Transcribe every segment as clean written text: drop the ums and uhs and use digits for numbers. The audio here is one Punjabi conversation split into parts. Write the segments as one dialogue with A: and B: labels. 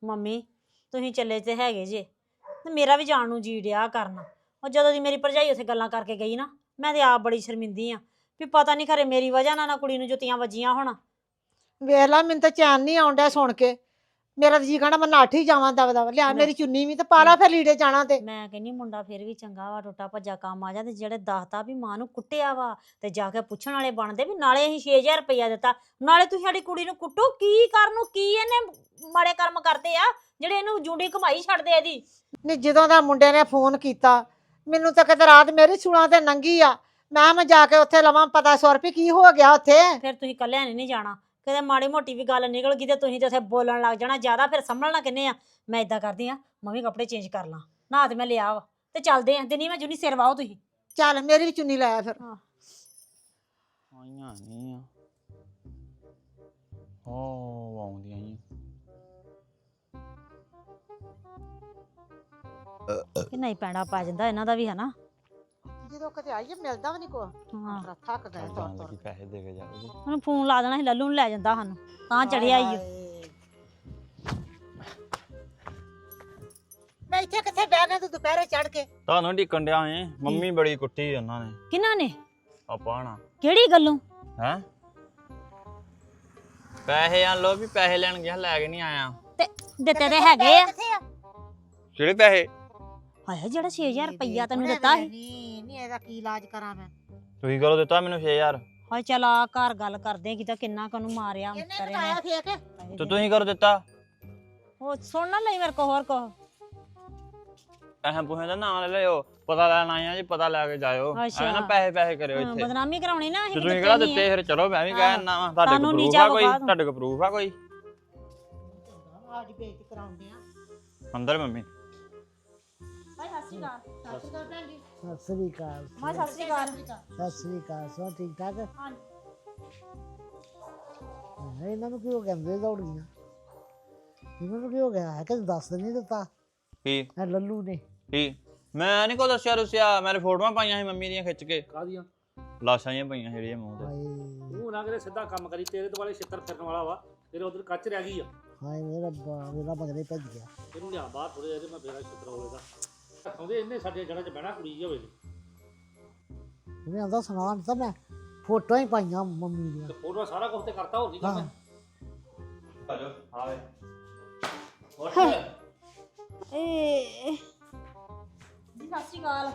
A: ਮੰਮੀ ਤੁਸੀਂ ਚੱਲੇ ਤੇ ਹੈਗੇ ਜੇ ਤੇ ਮੇਰਾ ਵੀ ਜਾਣ ਨੂੰ ਜੀ ਡਿਆ ਕਰਨਾ। ਉਹ ਜਦੋਂ ਦੀ ਮੇਰੀ ਭਰਜਾਈ ਉੱਥੇ ਗੱਲਾਂ ਕਰਕੇ ਗਈ ਨਾ, ਮੈਂ ਤੇ ਆਪ ਬੜੀ ਸ਼ਰਮਿੰਦੀ ਆ ਵੀ ਪਤਾ ਨਹੀਂ ਖਰੇ ਮੇਰੀ ਵਜ੍ਹਾ ਨਾਲ ਨਾ ਕੁੜੀ ਨੂੰ ਜੁੱਤੀਆਂ ਵੱਜੀਆਂ ਹੋਣ।
B: ਵੇਖ ਲਾ, ਮੈਨੂੰ ਤਾਂ ਚੈਨ ਨਹੀਂ ਆਉਣ ਡਿਆ ਸੁਣ ਕੇ। ਮੇਰਾ ਤਾਂ ਜੀ ਕਹਿਣਾ ਮੈਂ ਨੱਠ ਹੀ ਜਾਵਾਂ ਦਵਾ ਲਿਆ ਮੇਰੀ ਚੁੰਨੀ ਵੀ ਤੇ ਪਾ ਲਾ ਫਿਰ ਲੀੜੇ ਜਾਣਾ ਤੇ।
A: ਮੈਂ ਕਹਿੰਨੀ ਮੁੰਡਾ ਫਿਰ ਵੀ ਚੰਗਾ ਵਾ, ਟੁੱਟਾ ਭੱਜਾ ਕੰਮ ਆ ਜਾ। ਤੇ ਜਿਹੜੇ ਦੱਸਦਾ ਵੀ ਮਾਂ ਨੂੰ ਕੁੱਟਿਆ ਵਾ ਤੇ ਜਾ ਕੇ ਪੁੱਛਣ ਵਾਲੇ ਬਣਦੇ ਵੀ ਨਾਲੇ ਅਸੀਂ 6000 ਰੁਪਇਆ ਦਿੱਤਾ, ਨਾਲੇ ਤੁਸੀਂ ਸਾਡੀ ਕੁੜੀ ਨੂੰ ਕੁੱਟੋ। ਕੀ ਕਰਨ ਨੂੰ, ਕੀ ਇਹਨੇ ਮਾੜੇ ਕਰਮ ਕਰਦੇ ਆ ਜਿਹੜੇ ਇਹਨੂੰ ਜੂੰਡੀ ਕਮਾਈ ਛੱਡਦੇ ਇਹਦੀ।
B: ਨਹੀਂ ਜਦੋਂ ਦਾ ਮੁੰਡੇ ਨੇ ਫੋਨ ਕੀਤਾ ਮੈਨੂੰ ਤਾਂ ਕਿਤੇ ਰਾਤ ਮੇਰੀ ਸੁਣਾ ਤੇ ਨੰਗੀ ਆ। ਮੈਂ ਜਾ ਕੇ ਉੱਥੇ ਲਵਾਂ ਪਤਾ 100 ਰੁਪਏ ਕੀ ਹੋ ਗਿਆ ਉੱਥੇ।
A: ਫਿਰ ਤੁਸੀਂ ਕੱਲਿਆਂ ਨੇ ਨਹੀਂ ਜਾਣਾ, ਕਿਤੇ ਮਾੜੀ ਮੋਟੀ ਵੀ ਗੱਲ ਨਿਕਲ ਗਈ ਤੇ ਤੁਸੀਂ ਤੇ ਉੱਥੇ ਬੋਲਣ ਲੱਗ ਜਾਣਾ ਜ਼ਿਆਦਾ, ਫਿਰ ਸੰਭਲਣਾ ਕਿੰਨੇ ਆ। ਮੈਂ ਇਦਾਂ ਕਰਦੀ ਆ, ਮੰਮੀ ਕੱਪੜੇ ਚੇਂਜ ਕਰ ਲਾਂ, ਨਹਾ ਤੇ ਮੈਂ ਲਿਆ ਵਾ ਤੇ ਚੱਲਦੇ ਆ। ਦਿਨੀ ਮੈਂ ਜੁਨੀ ਸਿਰ ਵਾਓ ਤੁਸੀਂ।
B: ਚੱਲ ਮੇਰੀ ਵੀ ਚੁੰਨੀ ਲਾਇਆ ਫਿਰ।
C: ਆਈਆਂ ਨਹੀਂ ਆ ਹੋ ਆਉਂਦੀਆਂ ਹੀ
A: ਕਿ ਨਹੀਂ ਪੈਣਾ ਪਾ ਜਾਂਦਾ ਇਹਨਾਂ ਦਾ ਵੀ ਹਨਾ।
B: ਜਦੋਂ ਕਿਤੇ ਆਈਏ ਮਿਲਦਾ ਵੀ ਨਹੀਂ ਕੋ।
A: ਹਾਂ
B: ਥੱਕ ਗਏ
C: ਜਾਣ ਲੱਗੀ ਪੈਸੇ ਦੇ ਕੇ ਜਾਓਗੇ।
A: ਉਹਨੂੰ ਫੋਨ ਲਾ ਦੇਣਾ ਸੀ, ਲੱਲੂ ਨੂੰ ਲੈ ਜਾਂਦਾ ਸਾਨੂੰ ਤਾਂ ਚੜਿਆ ਈ।
B: ਮੈਂ ਇੱਥੇ ਕਿੱਥੇ ਬਹਿ ਗਿਆ ਤੂੰ ਦੁਪਹਿਰੇ ਚੜ ਕੇ।
C: ਤੁਹਾਨੂੰ ਢਿੱਕਣ ਡਿਆ ਏ, ਮੰਮੀ ਬੜੀ ਕੁੱਟੀ ਉਹਨਾਂ ਨੇ।
A: ਕਿਹਨਾਂ ਨੇ?
C: ਆਪਾਂ ਨਾ
A: ਕਿਹੜੀ ਗੱਲੋਂ?
C: ਹੈ ਪੈਸੇ ਆ ਲੋ ਵੀ ਪੈਸੇ ਲੈਣ ਗਿਆ, ਲੈ ਕੇ ਨਹੀਂ ਆਇਆ।
A: ਤੇ ਦਿੱਤੇ ਤੇ ਹੈਗੇ ਆ।
C: ਕਿਹੜੇ ਪੈਸੇ?
A: ਹਾਏ ਜਿਹੜਾ 6000 ਰੁਪਇਆ ਤੈਨੂੰ ਦਿੱਤਾ ਸੀ।
B: ਨਹੀਂ ਇਹਦਾ ਕੀ ਇਲਾਜ ਕਰਾਂ ਮੈਂ।
C: ਤੁਸੀਂ ਕਰੋ ਦਿੱਤਾ ਮੈਨੂੰ 6000।
A: ਹਾਏ ਚਲ ਆ ਘਰ ਗੱਲ ਕਰਦੇ ਆ ਕਿਤਾ ਕਿੰਨਾ ਕਨੂੰ ਮਾਰਿਆ
B: ਇਹਨੇ ਬਤਾਇਆ ਫੇਕ।
C: ਤੇ ਤੁਸੀਂ ਕਰੋ ਦਿੱਤਾ।
A: ਉਹ ਸੁਣ ਨਾ ਲਈ ਮੇਰੇ ਕੋ ਹੋਰ ਕੋ।
C: ਪੈਸੇ ਪੁਹੇ ਦਾ ਨਾਂ ਲੈ ਲਿਓ, ਪਤਾ ਲੈਣ ਆਏ ਆ ਜੀ, ਪਤਾ ਲੈ ਕੇ ਜਾਇਓ। ਐ ਨਾ ਪੈਸੇ ਕਰਿਓ ਇੱਥੇ।
A: ਬਦਨਾਮੀ ਕਰਾਉਣੀ ਨਾ ਅਸੀਂ।
C: ਤੁਸੀਂ ਕਿਹੜਾ ਦਿੱਤੇ ਫਿਰ? ਚਲੋ ਮੈਂ ਵੀ ਕਹਿ ਦਿੰਦਾ ਵਾਂ, ਤੁਹਾਡੇ ਕੋਲ ਪ੍ਰੂਫ ਆ ਕੋਈ? ਤੁਹਾਡੇ ਕੋਲ ਪ੍ਰੂਫ ਆ ਕੋਈ?
B: ਅੱਜ ਬੇਇੱਜ਼ਤੀ ਕਰਾਉਂਦੇ ਆ
C: ਅੰਦਰ ਮੰਮੀ।
A: ਹਾਏ ਸਤਿ ਸ਼੍ਰੀ ਅਕਾਲ।
B: ਸਤਿ ਸ਼੍ਰੀ ਅਕਾਲ ਭੈਣ ਜੀ।
D: ਸਤਿ ਸ੍ਰੀ ਅਕਾਲ।
A: ਮੈਂ ਸਤਿ ਸ਼੍ਰੀ ਅਕਾਲ।
D: ਸਤਿ ਸ੍ਰੀ ਅਕਾਲ। ਸਭ ਠੀਕ ਠਾਕ?
A: ਹਾਂਜੀ।
D: ਇਹਨਾਂ ਨੂੰ ਕਿਉਂ ਕਹਿੰਦੇ ਦੌੜ ਗਈਆਂ? ਇਹਨਾਂ ਨੂੰ ਕੀ ਹੋ ਗਿਆ ਹੈ ਕਿ ਦੱਸ ਨਹੀਂ ਦਿੱਤਾ
C: ਕੀ
D: ਇਹ ਲੱਲੂ ਨੇ?
C: ਕੀ ਮੈਂ ਨਹੀਂ ਕੋ ਦੱਸਿਆ ਰੁਸਿਆ, ਮੈਂ ਫੋਟੋਆਂ ਪਾਈਆਂ ਸੀ ਮੰਮੀ ਦੀਆਂ ਖਿੱਚ ਕੇ।
E: ਕਾਹਦੀਆਂ?
C: ਲਾਸ਼ਾਂ ਜਿਹੀਆਂ ਪਈਆਂ ਜਿਹੜੀਆਂ ਮੂੰਹ ਤੇ।
D: ਹਾਏ
E: ਤੂੰ ਨਾ ਕਿਤੇ ਸਿੱਧਾ ਕੰਮ ਕਰੀ, ਤੇਰੇ ਦੁਆਲੇ ਛਿੱਤਰ ਫਿਰਨ ਵਾਲਾ ਵਾ। ਤੇਰੇ ਉਧਰ ਕੱਚ ਰਹਿ ਗਈ ਆ।
D: ਹਾਏ ਮੇਰਾ ਮੇਰਾ ਮਗਰੇ ਭੱਜ ਗਿਆ।
E: ਇਹਨੂੰ ਲਿਆ ਬਾਹਰ ਥੋੜੇ ਜਿਹੇ, ਮੈਂ ਫੇਰਾ ਛਿੱਤਰ ਹੋਵੇਗਾ। ਆਉਂਦੇ ਇਹਨੇ ਸਾਡੇ ਜੜਾਂ 'ਚ ਬਹਿਣਾ ਕੁੜੀ ਹੋਵੇ।
D: ਉਹਨੇ ਆਂਦਾ ਸੁਣਾ ਦਿੱਤਾ, ਮੈਂ ਫੋਟੋਆਂ ਹੀ ਪਾਈਆਂ ਮੰਮੀ ਦੀਆਂ।
E: ਤੇ ਫੋਟੋ ਸਾਰਾ ਕੁਝ ਤੇ ਕਰਤਾ, ਹੋਰ ਕੀ ਕਰਨਾ।
C: ਆਜੋ ਆਵੇ
A: ਏ ਜੀ ਸਤਿ ਸ਼੍ਰੀ ਅਕਾਲ।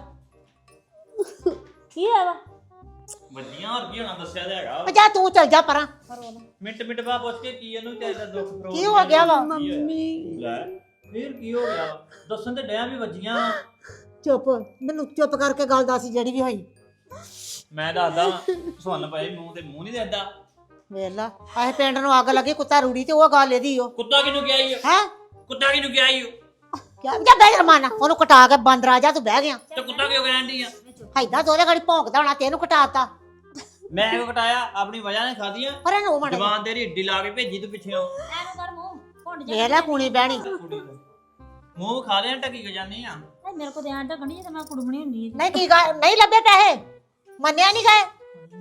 A: ਕੀ ਹੈ ਵਾ?
C: ਵੱਡੀਆਂ ਹੋਰ ਕੀ ਹੋਣਾ, ਦੱਸਿਆ ਤੇ ਹੈਗਾ।
B: ਜਾ ਤੂੰ ਚੱਲ ਜਾ ਪਰਾਂ।
C: ਮਿੰਟ ਮਿੰਟ ਬਾਅਦ ਪੁੱਛ ਕੇ ਕੀ ਇਹਨੂੰ ਚਾਹੀਦਾ ਦੁੱਖ ਪ੍ਰੋਬ
B: ਕੀ ਹੋ ਗਿਆ ਵਾ?
C: ਮੰਮੀ ਲੈ ਫੇਰ ਕੀ ਹੋ ਗਿਆ? ਦੱਸਣ ਤੇ ਡਿਆ ਵੀ ਵੱਜੀਆਂ।
B: ਚੁੱਪ, ਮੈਨੂੰ ਚੁੱਪ ਕਰਕੇ ਗੱਲ ਦੱਸ ਜਿਹੜੀ ਵੀ ਹੋਈ।
C: ਮੈਂ ਦੱਸਦਾ ਸੁਣ ਭਾਈ, ਮੂੰਹ ਤੇ ਮੂੰਹ ਨਹੀਂ ਦੇਦਾ।
B: ਵੇਖ ਲਾ ਆਹ ਪਿੰਡ ਨੂੰ ਅੱਗ ਲੱਗੀ ਕੁੱਤਾ ਰੂੜੀ ਤੇ ਉਹ ਗੱਲ ਇਹਦੀ ਓ
C: ਕੁੱਤਾ ਕਿਨੂੰ ਗਿਆ ਈ?
B: ਹੈ
C: ਕੁੱਤਾ ਕਿਨੂੰ ਗਿਆ ਈ?
B: ਕਿਆ ਜਾ ਬਹਿ ਰਮਾਨਾ, ਉਹਨੂੰ ਕਟਾ ਕੇ ਬਾਂਦਰ ਆ ਜਾ, ਤੂੰ ਬਹਿ ਗਿਆ।
C: ਤੇ ਕੁੱਤਾ ਕਿਉਂ ਕਹਿਣ ਡਈ ਆ?
B: ਹੈਦਾ ਦੋਲੇ ਘੜੀ ਭੌਂਕਦਾ ਹੋਣਾ, ਤੈਨੂੰ ਕਟਾਤਾ।
C: ਮੈਂ ਕਿਉਂ ਕਟਾਇਆ? ਆਪਣੀ ਵਜ੍ਹਾ ਨਾਲ ਖਾਦੀਆਂ।
B: ਪਰ ਇਹਨੂੰ ਉਹ ਮੜ
C: ਜਵਾਨ ਤੇਰੀ ਏਡੀ ਲਾ ਕੇ ਭੇਜੀ ਤੂੰ ਪਿੱਛੇੋਂ।
A: ਐਨੂੰ ਕਰ ਮੂੰਹ ਭੁੰਡ ਜਾ।
B: ਵੇਖ ਲੈ ਕੂਣੀ ਬਹਿਣੀ।
C: ਮੂੰਹ ਖਾ ਲਿਆ, ਟੱਕੀ ਕੇ ਜਾਂਦੀ ਆ।
A: ਮੇਰੇ ਕੋ ਧਿਆਨ ਢਕਣੀ ਤੇ ਮੈਂ ਕੁੜਮਣੀ ਹੁੰਦੀ।
B: ਨਹੀਂ ਕੀ ਗੱਲ, ਨਹੀਂ ਲੱਭੇ ਪੈਸੇ, ਮੰਨਿਆ ਨਹੀਂ ਗਏ।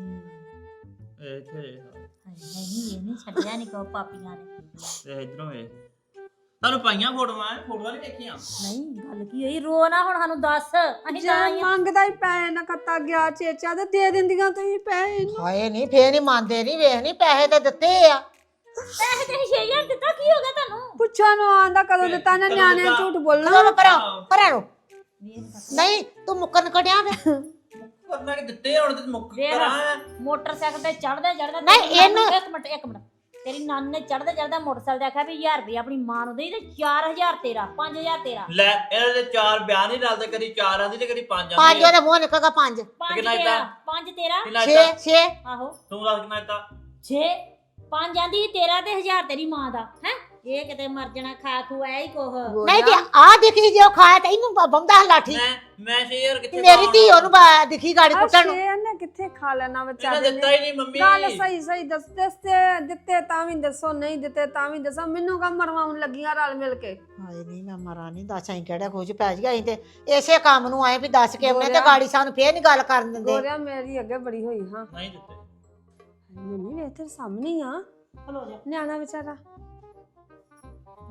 C: ਇੱਥੇ
A: ਨਹੀਂ ਇਹ ਨਹੀਂ ਛੱਡਿਆ ਨਹੀਂ ਕੋ ਪਾਪੀਆਂ ਨੇ।
C: ਤੇ ਇਧਰੋਂ ਵੇ ਤੁਹਾਨੂੰ ਪਾਈਆਂ ਫੋਟੋਆਂ ਨਹੀਂ ਦੇਖੀਆਂ।
A: ਨਹੀਂ ਗੱਲ ਕੀ ਹੋਈ? ਰੋ ਨਾ ਹੁਣ, ਸਾਨੂੰ ਦੱਸ। ਅਸੀਂ ਤਾਂ ਆਈਆਂ।
F: ਮੰਗਦਾ ਹੀ ਪੈਸੇ ਨਾ ਕੱਤਾ ਗਿਆ ਚੇਚਾ ਤੇ ਦੇ ਦਿੰਦੀਆਂ ਤੁਸੀਂ ਪੈਸੇ ਨੂੰ।
B: ਹਾਏ ਨਹੀਂ ਫੇਰ ਨਹੀਂ ਮੰਨਦੇ, ਨਹੀਂ ਵੇਖ ਨਹੀਂ ਪੈਸੇ ਤੇ ਦਿੱਤੇ ਆ।
A: ਪੈਸੇ ਤੇ 6000 ਦਿੱਤਾ, ਕੀ ਹੋ ਗਿਆ ਤੁਹਾਨੂੰ?
F: ਪੁੱਛਾ ਨੂੰ ਆਂਦਾ ਕਦੋਂ ਦਿੱਤਾ ਨਾ, ਨਿਆਣਿਆਂ ਝੂਠ ਬੋਲਣਾ।
B: ਚਲੋ ਪਰਾਂ ਪਰਾਂ ਨੂੰ। ਨਹੀਂ ਤੂੰ ਮੁੱਕਣ ਕਟਿਆ ਵੇ।
C: ਕਰਨਾ ਕਿ ਦਿੱਤੇ ਹੁਣ ਤੇ ਮੁੱਕ ਕਰਾਂ।
A: ਮੋਟਰਸਾਈਕਲ ਤੇ ਚੜਦੇ
B: ਨਹੀਂ, ਇਹਨੂੰ-
A: ਇੱਕ ਮਿੰਟ ਤੇਰੀ ਨਾਨੀ ਨੇ ਚੜਦੇ ਮੋਟਰਸਾਈਕਲ ਤੇ ਆਖਿਆ ਵੀ 1000 ਰੁਪਏ ਆਪਣੀ ਮਾਂ ਨੂੰ ਦੇਈ ਤੇ 4000 ਤੇਰਾ, 5000 ਤੇਰਾ।
C: ਲੈ ਇਹਦੇ ਤੇ ਚਾਰ ਬਿਆਨ ਹੀ ਰਲਦੇ, ਕਦੀ ਚਾਰ ਆਂਦੀ ਤੇ ਕਦੀ ਪੰਜ
B: ਪੰਜ
C: ਆਂਦੀ।
B: ਉਹਦੇ ਮੂੰਹ ਨਿਕਲਗਾ ਪੰਜ।
A: 5
C: ਕਿੰਨਾ
A: ਤੇਰਾ,
C: ਦਿੱਤਾ?
A: 5 ਤੇਰਾ,
C: ਕਿੰਨਾ
B: 6
C: ਦਿੱਤਾ?
B: 6
A: ਆਹੋ
C: ਤੂੰ ਦੱਸ ਕਿੰਨਾ ਦਿੱਤਾ?
A: 6 5 ਆਂਦੀ ਤੇਰਾ ਤੇ 1000 ਤੇਰੀ ਮਾਂ ਦਾ। ਹੈ ਇਹ ਕਿਤੇ ਮਰ ਜਾਣਾ ਖਾ ਖੂ ਐ ਹੀ ਕੋਹ।
B: ਨਹੀਂ ਤੇ ਆ ਦਿਖੀ ਜੇ ਉਹ ਖਾਇਆ ਤੇ ਇਹਨੂੰ ਬੰਦਾ ਲਾਠੀ।
C: ਮੈਂ ਸ਼ੇਰ ਕਿੱਥੇ
B: ਮੇਰੀ ਧੀ ਉਹਨੂੰ ਦਿਖੀ ਗਾੜੀ ਕੁੱਟਣ ਨੂੰ।
F: ਸ਼ੇਰ ਨੇ ਕਿੱਥੇ ਖਾ ਲੈਣਾ
C: ਇਹਨੇ
F: ਵਿਚਾਰੇ
C: ਦਿੱਤਾ
F: ਨੇ।
C: ਹੀ ਨਹੀਂ ਮੰਮੀ।
F: ਗੱਲ ਸਹੀ ਸਹੀ ਦੱਸਦੇ ਦਿੱਤੇ ਤਾਂ ਵੀ ਦੱਸੋ, ਨਹੀਂ ਦਿੱਤੇ ਤਾਂ ਵੀ ਦੱਸੋ। ਮੈਨੂੰ ਕਾ ਮਰਵਾਉਣ ਲੱਗੀਆਂ ਰਲ ਮਿਲ ਕੇ।
B: ਹਾਏ ਨਹੀਂ ਮੈਂ ਮਰਾਂ ਨਹੀਂ, ਦੱਸ ਅਸੀਂ ਕਿਹੜਾ ਖੋਜ ਪੈ ਗਿਆ। ਅਸੀਂ ਤੇ ਇਸੇ ਕੰਮ ਨੂੰ ਆਏ ਵੀ ਦੱਸ ਕੇ ਉਹਨੇ ਤੇ ਗਾੜੀ ਸਾਨੂੰ ਫੇਰ ਨਹੀਂ ਗੱਲ ਕਰਨ ਦਿੰਦੇ।
F: ਗੋਰਿਆ ਮੇਰੀ ਅੱਗੇ ਬੜੀ ਹੋਈ ਹਾਂ।
C: ਨਹੀਂ ਦਿੱਤੇ।
F: ਮੰਮੀ ਵੇਖ ਤੇਰੇ ਸਾਹਮਣੇ ਹੀ ਆ
A: ਖਲੋ ਜਾ।
F: ਨਿਆਣਾ ਵਿਚਾਰਾ।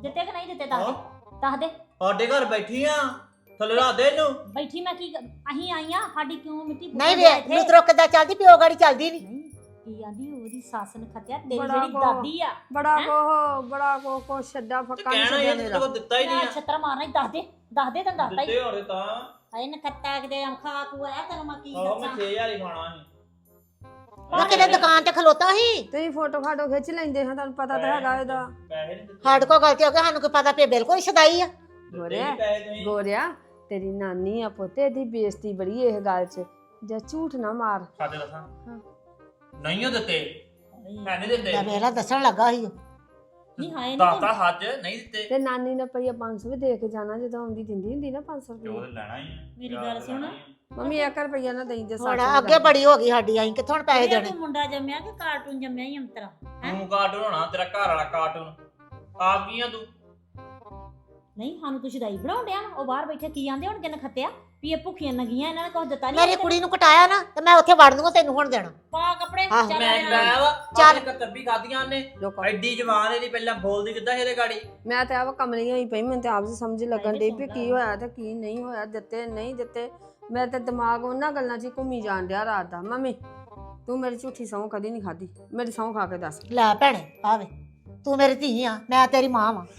A: ਦਿੱਤੇ ਕਿ ਨਹੀਂ ਦਿੱਤੇ ਦੱਸ ਦੇ
C: ਸਾਡੇ ਘਰ ਬੈਠੀ ਆ ਥੱਲੇ ਲਾ ਦੇ ਇਹਨੂੰ
A: ਬੈਠੀ ਮੈਂ ਕੀ ਅਸੀਂ ਆਈਆਂ ਸਾਡੀ ਕਿਉਂ ਮਿੱਟੀ
B: ਨਹੀਂ ਵੇ ਲੁਤਰੋ ਕਿੱਦਾਂ ਚੱਲਦੀ ਪਿਓ ਗਾੜੀ ਚੱਲਦੀ ਨਹੀਂ
A: ਨਹੀਂ ਕੀ ਆਂਦੀ ਉਹਦੀ ਸੱਸ ਨੇ ਖੱਤਿਆ ਤੇਰੀ
F: ਬੜਾ
A: ਜਿਹੜੀ
F: ਕੋ-
A: ਦਾਦੀ ਆ
F: ਬੜਾ ਕੋ ਛੱਡਾ ਫੱਕਾ ਨਹੀਂ
C: ਕਹਿਣਾ
F: ਛੱਡਿਆ
C: ਇਹ
F: ਮੇਰਾ
C: ਤੈਨੂੰ ਦਿੱਤਾ ਹੀ ਨਹੀਂ
A: ਮੈਂ ਛੱਤਰ ਮਾਰਨਾ ਹੀ ਦੱਸ ਦੇ ਤੈਨੂੰ ਦੱਸਦਾ ਹੀ
C: ਦਿੱਤੇ ਹੋਰੇ ਤਾਂ
A: ਹਾਏ ਨਖੱਤਾ ਕਿਤੇ ਅੰਖਾ ਖੂਆ ਤੈਨੂੰ ਮੈਂ ਕੀ
C: ਆਹੋ ਮੈਂ
A: ਦੱਸਾਂ
C: 6000 ਹੀ ਖਾਣਾ ਸੀ
B: ਮੈਂ ਕਿਤੇ ਦੁਕਾਨ ਤੇ ਖਲੋਤਾ ਸੀ
F: ਤੁਸੀਂ ਫੋਟੋ ਫਾਟੋ ਖਿੱਚ ਲੈਂਦੇ ਹਾਂ ਤੁਹਾਨੂੰ ਪਤਾ ਤਾਂ ਹੈਗਾ ਇਹਦਾ
C: ਪੈਸੇ ਨਹੀਂ ਦਿੱਤੇ
B: ਸਾਡੇ ਕੋਲ ਗਲਤੀ ਹੋ ਗਈ ਸਾਨੂੰ ਕੋਈ ਪਤਾ ਪਿਆ ਬਿਲਕੁਲ ਸਦਾਈ ਆ
F: ਗੋਰਿਆ
C: ਪੈਸੇ ਤੁਸੀਂ
F: ਗੋਰਿਆ ਤੇਰੀ ਨਾਨੀ ਆ ਪੁੱਤੇ ਦੀ ਬੇਇੱਜ਼ਤੀ ਬੜੀ ਇਹ ਗੱਲ 'ਚ ਜਾਂ ਝੂਠ ਨਾ ਮਾਰ
C: ਸਾਡੇ ਦੱਸਾਂ
F: ਹਾਂ।
C: ਨਹੀਂ ਉਹ ਦਿੱਤੇ ਹੈ ਨਹੀਂ ਦਿੱਤੇ
B: ਮੈਂ ਵੇਲਾ ਦੱਸਣ ਲੱਗਾ ਸੀ ਉਹ।
A: ਨਹੀਂ ਹਾਏ ਨਹੀਂ
C: ਦਾਤਾ ਹੱਜ ਨਹੀਂ ਦਿੱਤੇ
F: ਤੇ ਨਾਨੀ ਨੇ ਪਈਆ 500 ਵੀ ਦੇ ਕੇ ਜਾਣਾ ਜਦੋਂ ਆਉਂਦੀ ਦਿੰਦੀ ਹੁੰਦੀ ਨਾ 500
C: ਤੇ ਉਹ
F: ਰੁਪਏ
C: ਤੇ ਲੈਣਾ ਹੀ ਆ
A: ਮੇਰੀ ਗੱਲ ਸੁਣ।
F: ਮੰਮੀ 1 ਰੁਪਈਆ ਨਾ ਦੇਈ ਜੇ
B: ਹੁਣ ਅੱਗੇ ਬੜੀ ਹੋ ਗਈ ਸਾਡੀ ਅਸੀਂ ਕਿੱਥੋਂ ਹੁਣ ਪੈਸੇ ਦੇਣੇ
A: ਤੂੰ ਮੁੰਡਾ ਜੰਮਿਆ ਕਿ ਕਾਰਟੂਨ ਜੰਮਿਆ ਹੀ ਅੰਤਰਾ
C: ਤੂੰ ਕਾਰਟੂਨ ਹੋਣਾ ਤੇਰਾ ਘਰ ਵਾਲਾ ਕਾਰਟੂਨ ਆਪ ਕੀ ਆ ਤੂੰ
A: ਨਹੀਂ ਸਾਨੂੰ ਤੂੰ ਸ਼ਦਾਈ ਬਣਾਉਣ ਡਿਆ ਵਾ। ਉਹ ਬਾਹਰ ਬੈਠੇ ਕੀ ਆਂਦੇ ਹੁਣ ਕਿੰਨ ਖੱਤਿਆ ਵੀ ਇਹ ਭੁੱਖੀਆਂ ਨਗੀਆਂ ਇਹਨਾਂ ਨੇ ਕੁਝ ਦਿੱਤਾ ਨਹੀਂ
B: ਮੇਰੀ ਕੁੜੀ ਨੂੰ ਕਟਾਇਆ ਨਾ ਤੇ ਮੈਂ ਉੱਥੇ ਵੜ ਦੂੰਗਾ ਤੈਨੂੰ ਹੁਣ ਦੇਣਾ
A: ਪਾ ਕੱਪੜੇ
B: ਆਹ,
A: ਚੱਲ
C: ਮੈਂ
A: ਆ ਜਾ।
C: ਲਾਇਆ ਵਾ
B: ਚੱਲ।
C: ਚੱਲ ਕੱਤਰ ਵੀ ਖਾਦੀਆਂ ਉਹਨੇ
F: ਲੋਕਾਂ
C: ਐਡੀ ਜਵਾਨ ਇਹਦੀ ਪਹਿਲਾਂ ਬੋਲਦੀ ਕਿੱਦਾਂ ਇਹਦੇ ਗਾੜੀ
F: ਮੈਂ ਤੇ ਆਪ ਕਮਲੀ ਹੋਈ ਪਈ ਮੈਨੂੰ ਤੇ ਆਪ ਸਮਝ ਲੱਗਣ
A: ਹਾਏ
F: ਡਈ
A: ਵੇ
F: ਵੀ ਕੀ ਹੋਇਆ ਤੇ ਕੀ ਨਹੀਂ ਹੋਇਆ ਦਿੱਤੇ ਨਹੀਂ ਦਿੱਤੇ ਮੈਂ ਤੇ ਦਿਮਾਗ ਉਹਨਾਂ ਗੱਲਾਂ 'ਚ ਹੀ ਘੁੰਮੀ ਜਾਣ ਡਿਆ ਰਾਤ ਦਾ ਮੰਮੀ ਤੂੰ ਮੇਰੀ ਝੂਠੀ ਸਹੁੰ ਕਦੀ ਨਹੀਂ ਖਾਦੀ ਮੇਰੀ ਸਹੁੰ ਖਾ ਕੇ ਦੱਸ
B: ਲੈ ਭੈਣੇ ਆਵੇ ਤੂੰ ਮੇਰੀ ਧੀ ਆ ਮੈਂ ਤੇਰੀ ਮਾਂ ਵਾਂ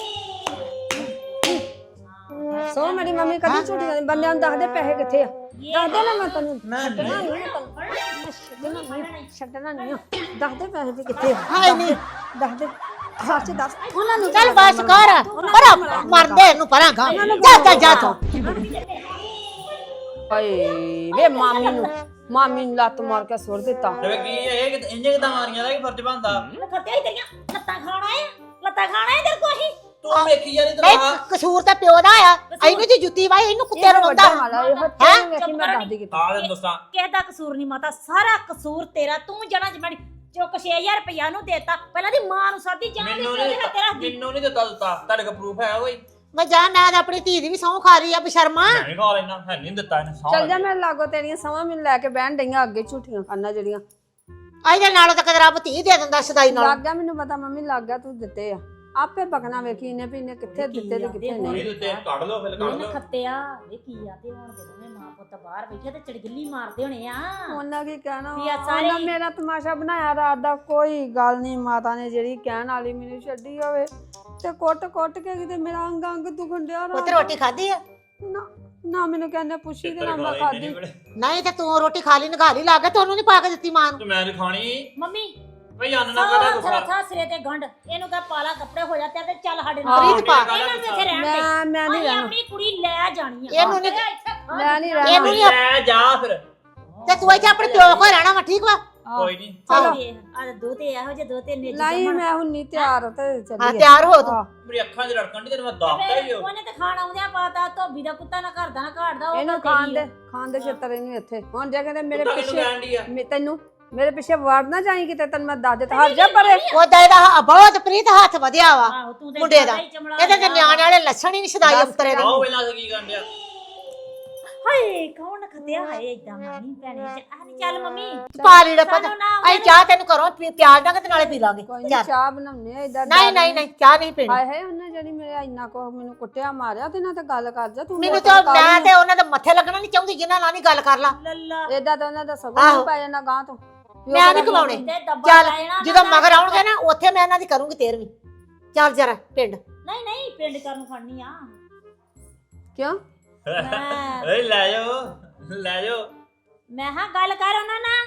F: ਸਹੁੰ ਮੇਰੀ ਮੰਮੀ ਕਦੀ ਝੂਠੀ ਨਹੀਂ ਬੰਦਿਆਂ ਨੂੰ ਦੱਸਦੇ ਪੈਸੇ ਕਿੱਥੇ ਆ ਦੱਸ ਦੇ ਨਾ ਮੈਂ ਤੈਨੂੰ ਛੱਡਣਾ ਨਹੀਂ ਛੱਡਣਾ ਨਹੀਂ ਦੱਸ ਦੇ ਪੈਸੇ ਵੀ ਕਿੱਥੇ ਆ
B: ਹਾਏ ਨਹੀਂ
F: ਦੱਸ ਦੇ ਸੱਚ ਦੱਸ ਉਹਨਾਂ ਨੂੰ
B: ਚੱਲ ਬਸ ਕਰ ਪਰਾ ਮਰਦੇ ਇਹਨੂੰ ਪਰਾਂ ਗਾ ਜਾ ਤੂੰ
F: ਹਾਏ ਵੇ ਮਾਮੀ ਨੂੰ ਲੱਤ ਮਾਰ ਕੇ ਸੁੱਟ ਦਿੱਤਾ
C: ਤੇ ਕੀ ਇਹ ਇੰਨੇ ਕਿਦਾਂ ਮਾਰੀਆਂ ਦਾ ਕੀ ਫਰਜ਼ ਬਣਦਾ
A: ਖੱਤਿਆ ਹੀ ਤੇਰੀਆਂ ਲੱਤਾਂ ਖਾਣਾ ਹੈ ਤੇਰੇ ਕੋਲ ਹੀ
C: ਤੂੰ ਵੇਖੀ ਜਾਨੀ
B: ਨਹੀਂ
C: ਤਰਾ
B: ਕਸੂਰ ਤਾਂ ਪਿਓ ਦਾ ਆ ਇਹਨੂੰ ਜੀ ਜੁੱਤੀ ਵਾਈ ਇਹਨੂੰ ਕੁੱਤੇ ਨੂੰ ਲਾਉਂਦਾ
F: ਹਾਲਾ ਇਹ ਹੱਥਾਂ ਵੇਖੀ ਮੈਂ ਦੱਸਦੀ ਕਿਤੇ
C: ਆ ਲੈ ਦੋਸਤਾਂ
A: ਕਿਸੇ ਦਾ ਕਸੂਰ ਨਹੀਂ ਮਾਤਾ ਸਾਰਾ ਕਸੂਰ ਤੇਰਾ ਤੂੰ ਜਣਾ ਜਮੜੀ ਚੁੱਕ 6000 ਰੁਪਇਆ ਨੂੰ ਦੇਤਾ ਪਹਿਲਾਂ ਦੀ ਮਾਂ ਨੂੰ ਸਾਦੀ ਜਾਣ ਦੇ
C: ਮੈਨੂੰ
A: ਤੇਰੇ
C: ਨਹੀਂ
A: ਤੇਰਾ
C: ਮੈਨੂੰ ਨਹੀਂ ਦਿੱਤਾ ਤੁਹਾਡੇ ਕੋਲ ਪ੍ਰੂਫ ਹੈ ਕੋਈ
B: ਮੈਂ ਜਾ ਮੈਂ ਤਾਂ ਆਪਣੀ ਧੀ ਦੀ ਵੀ ਸਹੁੰ ਖਾ ਰਹੀ ਆ ਬਸ਼ਰਮਾ
C: ਮੈਂ ਨਹੀਂ ਖਾ ਲੈਣਾ ਹੈ ਨਹੀਂ ਦਿੱਤਾ ਇਹਨੇ ਸਾਹ
F: ਚੱਲ ਜਾ ਮੇਰੇ ਲਾਗੋ ਤੇਰੀਆਂ ਸਮਾਂ ਮੈਨੂੰ ਲੈ ਕੇ ਬਹਿਣ ਡਈਆਂ ਅੱਗੇ ਝੂਠੀਆਂ ਖਾਨਾ ਜਿਹੜੀਆਂ
B: ਇਹਦੇ ਨਾਲੋਂ ਤਾਂ ਕਦੇ ਰੱਬ ਧੀ ਦੇ ਦਿੰਦਾ ਸਦਾਈ ਨਾਲ
F: ਲੱਗ ਗਿਆ ਮੈਨੂੰ ਪਤਾ ਮੰਮੀ ਲੱਗ ਗਿਆ ਤੂੰ ਦਿੱਤੇ ਆ ਆਪੇ ਬਕਣਾ ਵੇਖੀ ਇਹਨੇ ਵੀ ਇਹਨੇ ਕਿੱਥੇ ਦਿੱਤੇ ਤੇ ਕਿੱਥੇ
C: ਨਹੀਂ
F: ਨਹੀਂ
C: ਦਿੱਤੇ ਕੱਢ ਲਓ ਫਿਰ ਕੱਢ
A: ਇਹਨੇ
C: ਲਓ
A: ਖੱਤਿਆ ਵੇ ਕੀ ਆ ਤੇ ਹੁਣ ਦੇ ਦੋਵੇਂ ਮਾਂ ਪੁੱਤ ਬਾਹਰ ਬੈਠੇ ਤੇ ਚੜਗਿੱਲੀ ਮਾਰਦੇ ਹੋਣੇ ਆ
F: ਉਹਨਾਂ ਕੀ ਕਹਿਣਾ
A: ਵੀ ਆ ਸਾਰੇ-
F: ਉਹਨਾਂ ਮੇਰਾ ਤਮਾਸ਼ਾ ਬਣਾਇਆ ਰਾਤ ਦਾ ਕੋਈ ਗੱਲ ਨਹੀਂ ਮਾਤਾ ਨੇ ਜਿਹੜੀ ਕਹਿਣ ਵਾਲੀ ਮੈਨੂੰ ਛੱਡੀ ਹੋਵੇ ਤੇ ਕੁੱਟ ਕੇ ਕਿਤੇ ਮੇਰਾ ਅੰਗ ਦੁਖਣ ਡਿਆ ਰਾਤ
B: ਪੁੱਤ
F: ਦਾ।
B: ਰੋਟੀ ਖਾਧੀ ਆ
F: ਨਾ ਮੈਨੂੰ ਕਹਿੰਦੇ ਪੁੱਛੀ ਤੇ ਨਾ ਮੈਂ ਖਾਦੀ
B: ਨਹੀਂ ਤੇ ਤੂੰ ਰੋਟੀ ਖਾ ਲਈ ਨਗਾਲੀ ਲਾ ਕੇ ਤੁਹਾਨੂੰ ਨਹੀਂ ਪਾ ਕੇ ਦਿੱਤੀ ਮਾਂ ਨੂੰ
C: ਤੇ ਮੈਂ ਨਹੀਂ ਖਾਣੀ
A: ਮੰਮੀ
C: ਭਈ ਅੰਨ ਨਾ ਕਰਾ ਗੁੱਸਾ
A: ਥਰਾ ਸਿਰੇ ਤੇ ਗੰਢ ਇਹਨੂੰ ਕਹ ਪਾਲਾ ਕੱਪੜੇ ਹੋ ਜਾ ਤੇ ਚੱਲ ਸਾਡੇ
F: ਹਾਂ,
A: ਨਾਲ
B: ਰੀਤ ਪਾ
A: ਇਹਨਾਂ ਨੂੰ ਇੱਥੇ ਰਹਿਣ ਦੇ
F: ਮੈਂ ਨਹੀਂ
A: ਅਸੀਂ
F: ਰਹਿਣਾ
A: ਆਪਣੀ ਕੁੜੀ ਲੈ ਜਾਣੀ ਆ
B: ਇਹਨੂੰ ਨੀ-
F: ਮੈਂ ਨਹੀਂ ਰਹਿਣਾ
B: ਇਹਨੂੰ ਨੀ-
C: ਲੈ ਜਾ ਫਿਰ
B: ਤੇ ਤੂੰ ਇੱਥੇ ਆਪਣੇ ਪਿਓ ਕੋਲ ਰਹਿਣਾ ਵਾ ਠੀਕ ਵਾ
C: ਕੋਈ ਨਹੀਂ
F: ਚਲੋ
A: ਆ ਦੋ ਤੇ ਇਹੋ ਜਿਹੇ ਦੋ ਤੇ ਨੇਜ
F: ਨਹੀਂ
A: ਜੰਮਣ
F: ਮੈਂ ਹੁਣ ਨਹੀਂ ਤਿਆਰ ਤੇ
B: ਹਾਂ
F: ਚੱਲੀਏ
B: ਤਿਆਰ ਹੋ ਤੂੰ
F: ਹਾਂ।
C: ਮੇਰੀ ਅੱਖਾਂ 'ਚ ਰੜਕਣ ਦੀ ਤੈਨੂੰ ਮੈਂ ਦੱਸਦਾ ਹੀ ਹੋ
A: ਉਹਨੇ ਤੇ ਖਾਣ ਆਉਂਦਿਆਂ ਪਾਤਾ ਧੋਬੀ ਦਾ ਕੁੱਤਾ ਨਾ ਘਰ ਦਾ ਨਾ ਘਾੜਦਾ ਉਹ
F: ਇਹਨੂੰ
A: ਤਾਂ
F: ਖਾਣ
A: ਤੇਰੀ
F: ਦੇ ਖਾਣ ਦੇ ਛੇਤਰ ਇਹਨੂੰ ਇੱਥੇ ਹੁਣ ਜੇ ਕਹਿੰਦੇ ਮੇਰੇ
C: ਤੂੰ ਤਾਂ ਕਿਹਨੂੰ
F: ਪਿੱਛੇ
C: ਕਹਿਣ ਡਈ ਆ
F: ਤੈਨੂੰ ਮੇਰੇ ਪਿੱਛੇ ਵੜ ਨਾ ਜਾਈ ਕਿਤੇ ਤੈਨੂੰ ਮੈਂ ਦੱਸ ਦਿੱਤਾ ਹਟ ਜਾ ਪਰੇ
B: ਉਹਦਾ ਇਹਦਾ ਬਹੁਤ ਪ੍ਰੀਤ ਹੱਥ ਵਧਿਆ ਵਾ
A: ਆਹੋ ਤੂੰ ਤੇ
B: ਮੁੰਡੇ ਦਾ
A: ਜ਼ਿਆਦਾ ਹੀ ਚਮੜਾ
B: ਇਹਦੇ ਤੇ ਨਿਆਣੇ ਵਾਲੇ ਲੱਛਣ ਹੀ ਨਹੀਂ ਸਦਾਈ ਅੰਤਰੇ ਦਾ
C: ਆਓ ਵੇਲਾ ਕੀ ਕਰਨ ਡਿਆ
A: ਹਾਏ ਕੌਣ ਖੱਤਿਆ ਹਾਏ ਇਦਾਂ ਮਾਨੀ ਭੈਣੇ ਆ ਨਹੀਂ ਚੱਲ ਮੰਮੀ
B: ਪਾ ਲੀੜਾ ਪਤਾ
A: ਸਾਨੂੰ ਨਾ
B: ਅਸੀਂ ਚਾਹ ਤੈਨੂੰ ਘਰੋਂ ਪਿਆਜ਼ ਨਾਲ ਤੇ ਨਾਲੇ ਪੀ ਲਾਂਗੇ
F: ਕੋਈ ਨਹੀਂ
B: ਚੱਲ।
F: ਚਾਹ ਬਣਾਉਣੇ ਆ ਇਦਾਂ
B: ਨਹੀਂ ਚਾਹ ਨਹੀਂ ਪੀਣੀ
F: ਹਾਏ ਹਾਏ ਉਹਨੇ ਜਿਹੜੀ ਮੇਰੇ ਇੰਨਾ ਕੋ ਮੈਨੂੰ ਕੁੱਟਿਆ ਮਾਰਿਆ ਤੇ ਨਾ ਤੇ ਗੱਲ ਕਰ ਜਾ ਤੂੰ
B: ਮੈਨੂੰ ਤਾਂ ਮੈਂ ਤੇ ਉਹਨਾਂ ਦੇ ਮੱਥੇ ਲੱਗਣਾ ਨਹੀਂ ਚਾਹੁੰਦੀ ਜਿਨ੍ਹਾਂ ਨਾਲ ਨਹੀਂ ਗੱਲ ਕਰ ਲਾ
A: ਲੱਲਾ
F: ਇਦਾਂ ਤਾਂ ਉਹਨਾਂ ਦਾ ਸਗੋਂ
B: ਆਹੋ।
F: ਨਹੀਂ ਪੈ ਜਾਂਦਾ ਗਾਂ ਤੋਂ
B: ਮੈਂ ਨਹੀਂ ਕਮਾਉਣੇ
A: ਤੇ ਦੱਬਾ
B: ਚੱਲ
A: ਲੈ ਜਾਣਾ
B: ਜਦੋਂ
A: ਨਾ
B: ਮਗਰ ਆਉਣਗੇ ਨਾ ਉੱਥੇ ਮੈਂ ਇਹਨਾਂ ਦੀ ਕਰੂੰਗੀ 13ਵੀਂ ਚੱਲ ਜਰਾ ਪਿੰਡ
A: ਨਹੀਂ ਪਿੰਡ ਕਰਨ ਖੜਨੀ ਆ
F: ਕਿਉਂ
A: ਮੈਂ
C: ਓਏ ਲੈ ਜਾਓ
A: ਮੈਂ ਹਾਂ ਗੱਲ ਕਰ ਉਹਨਾਂ ਨਾਲ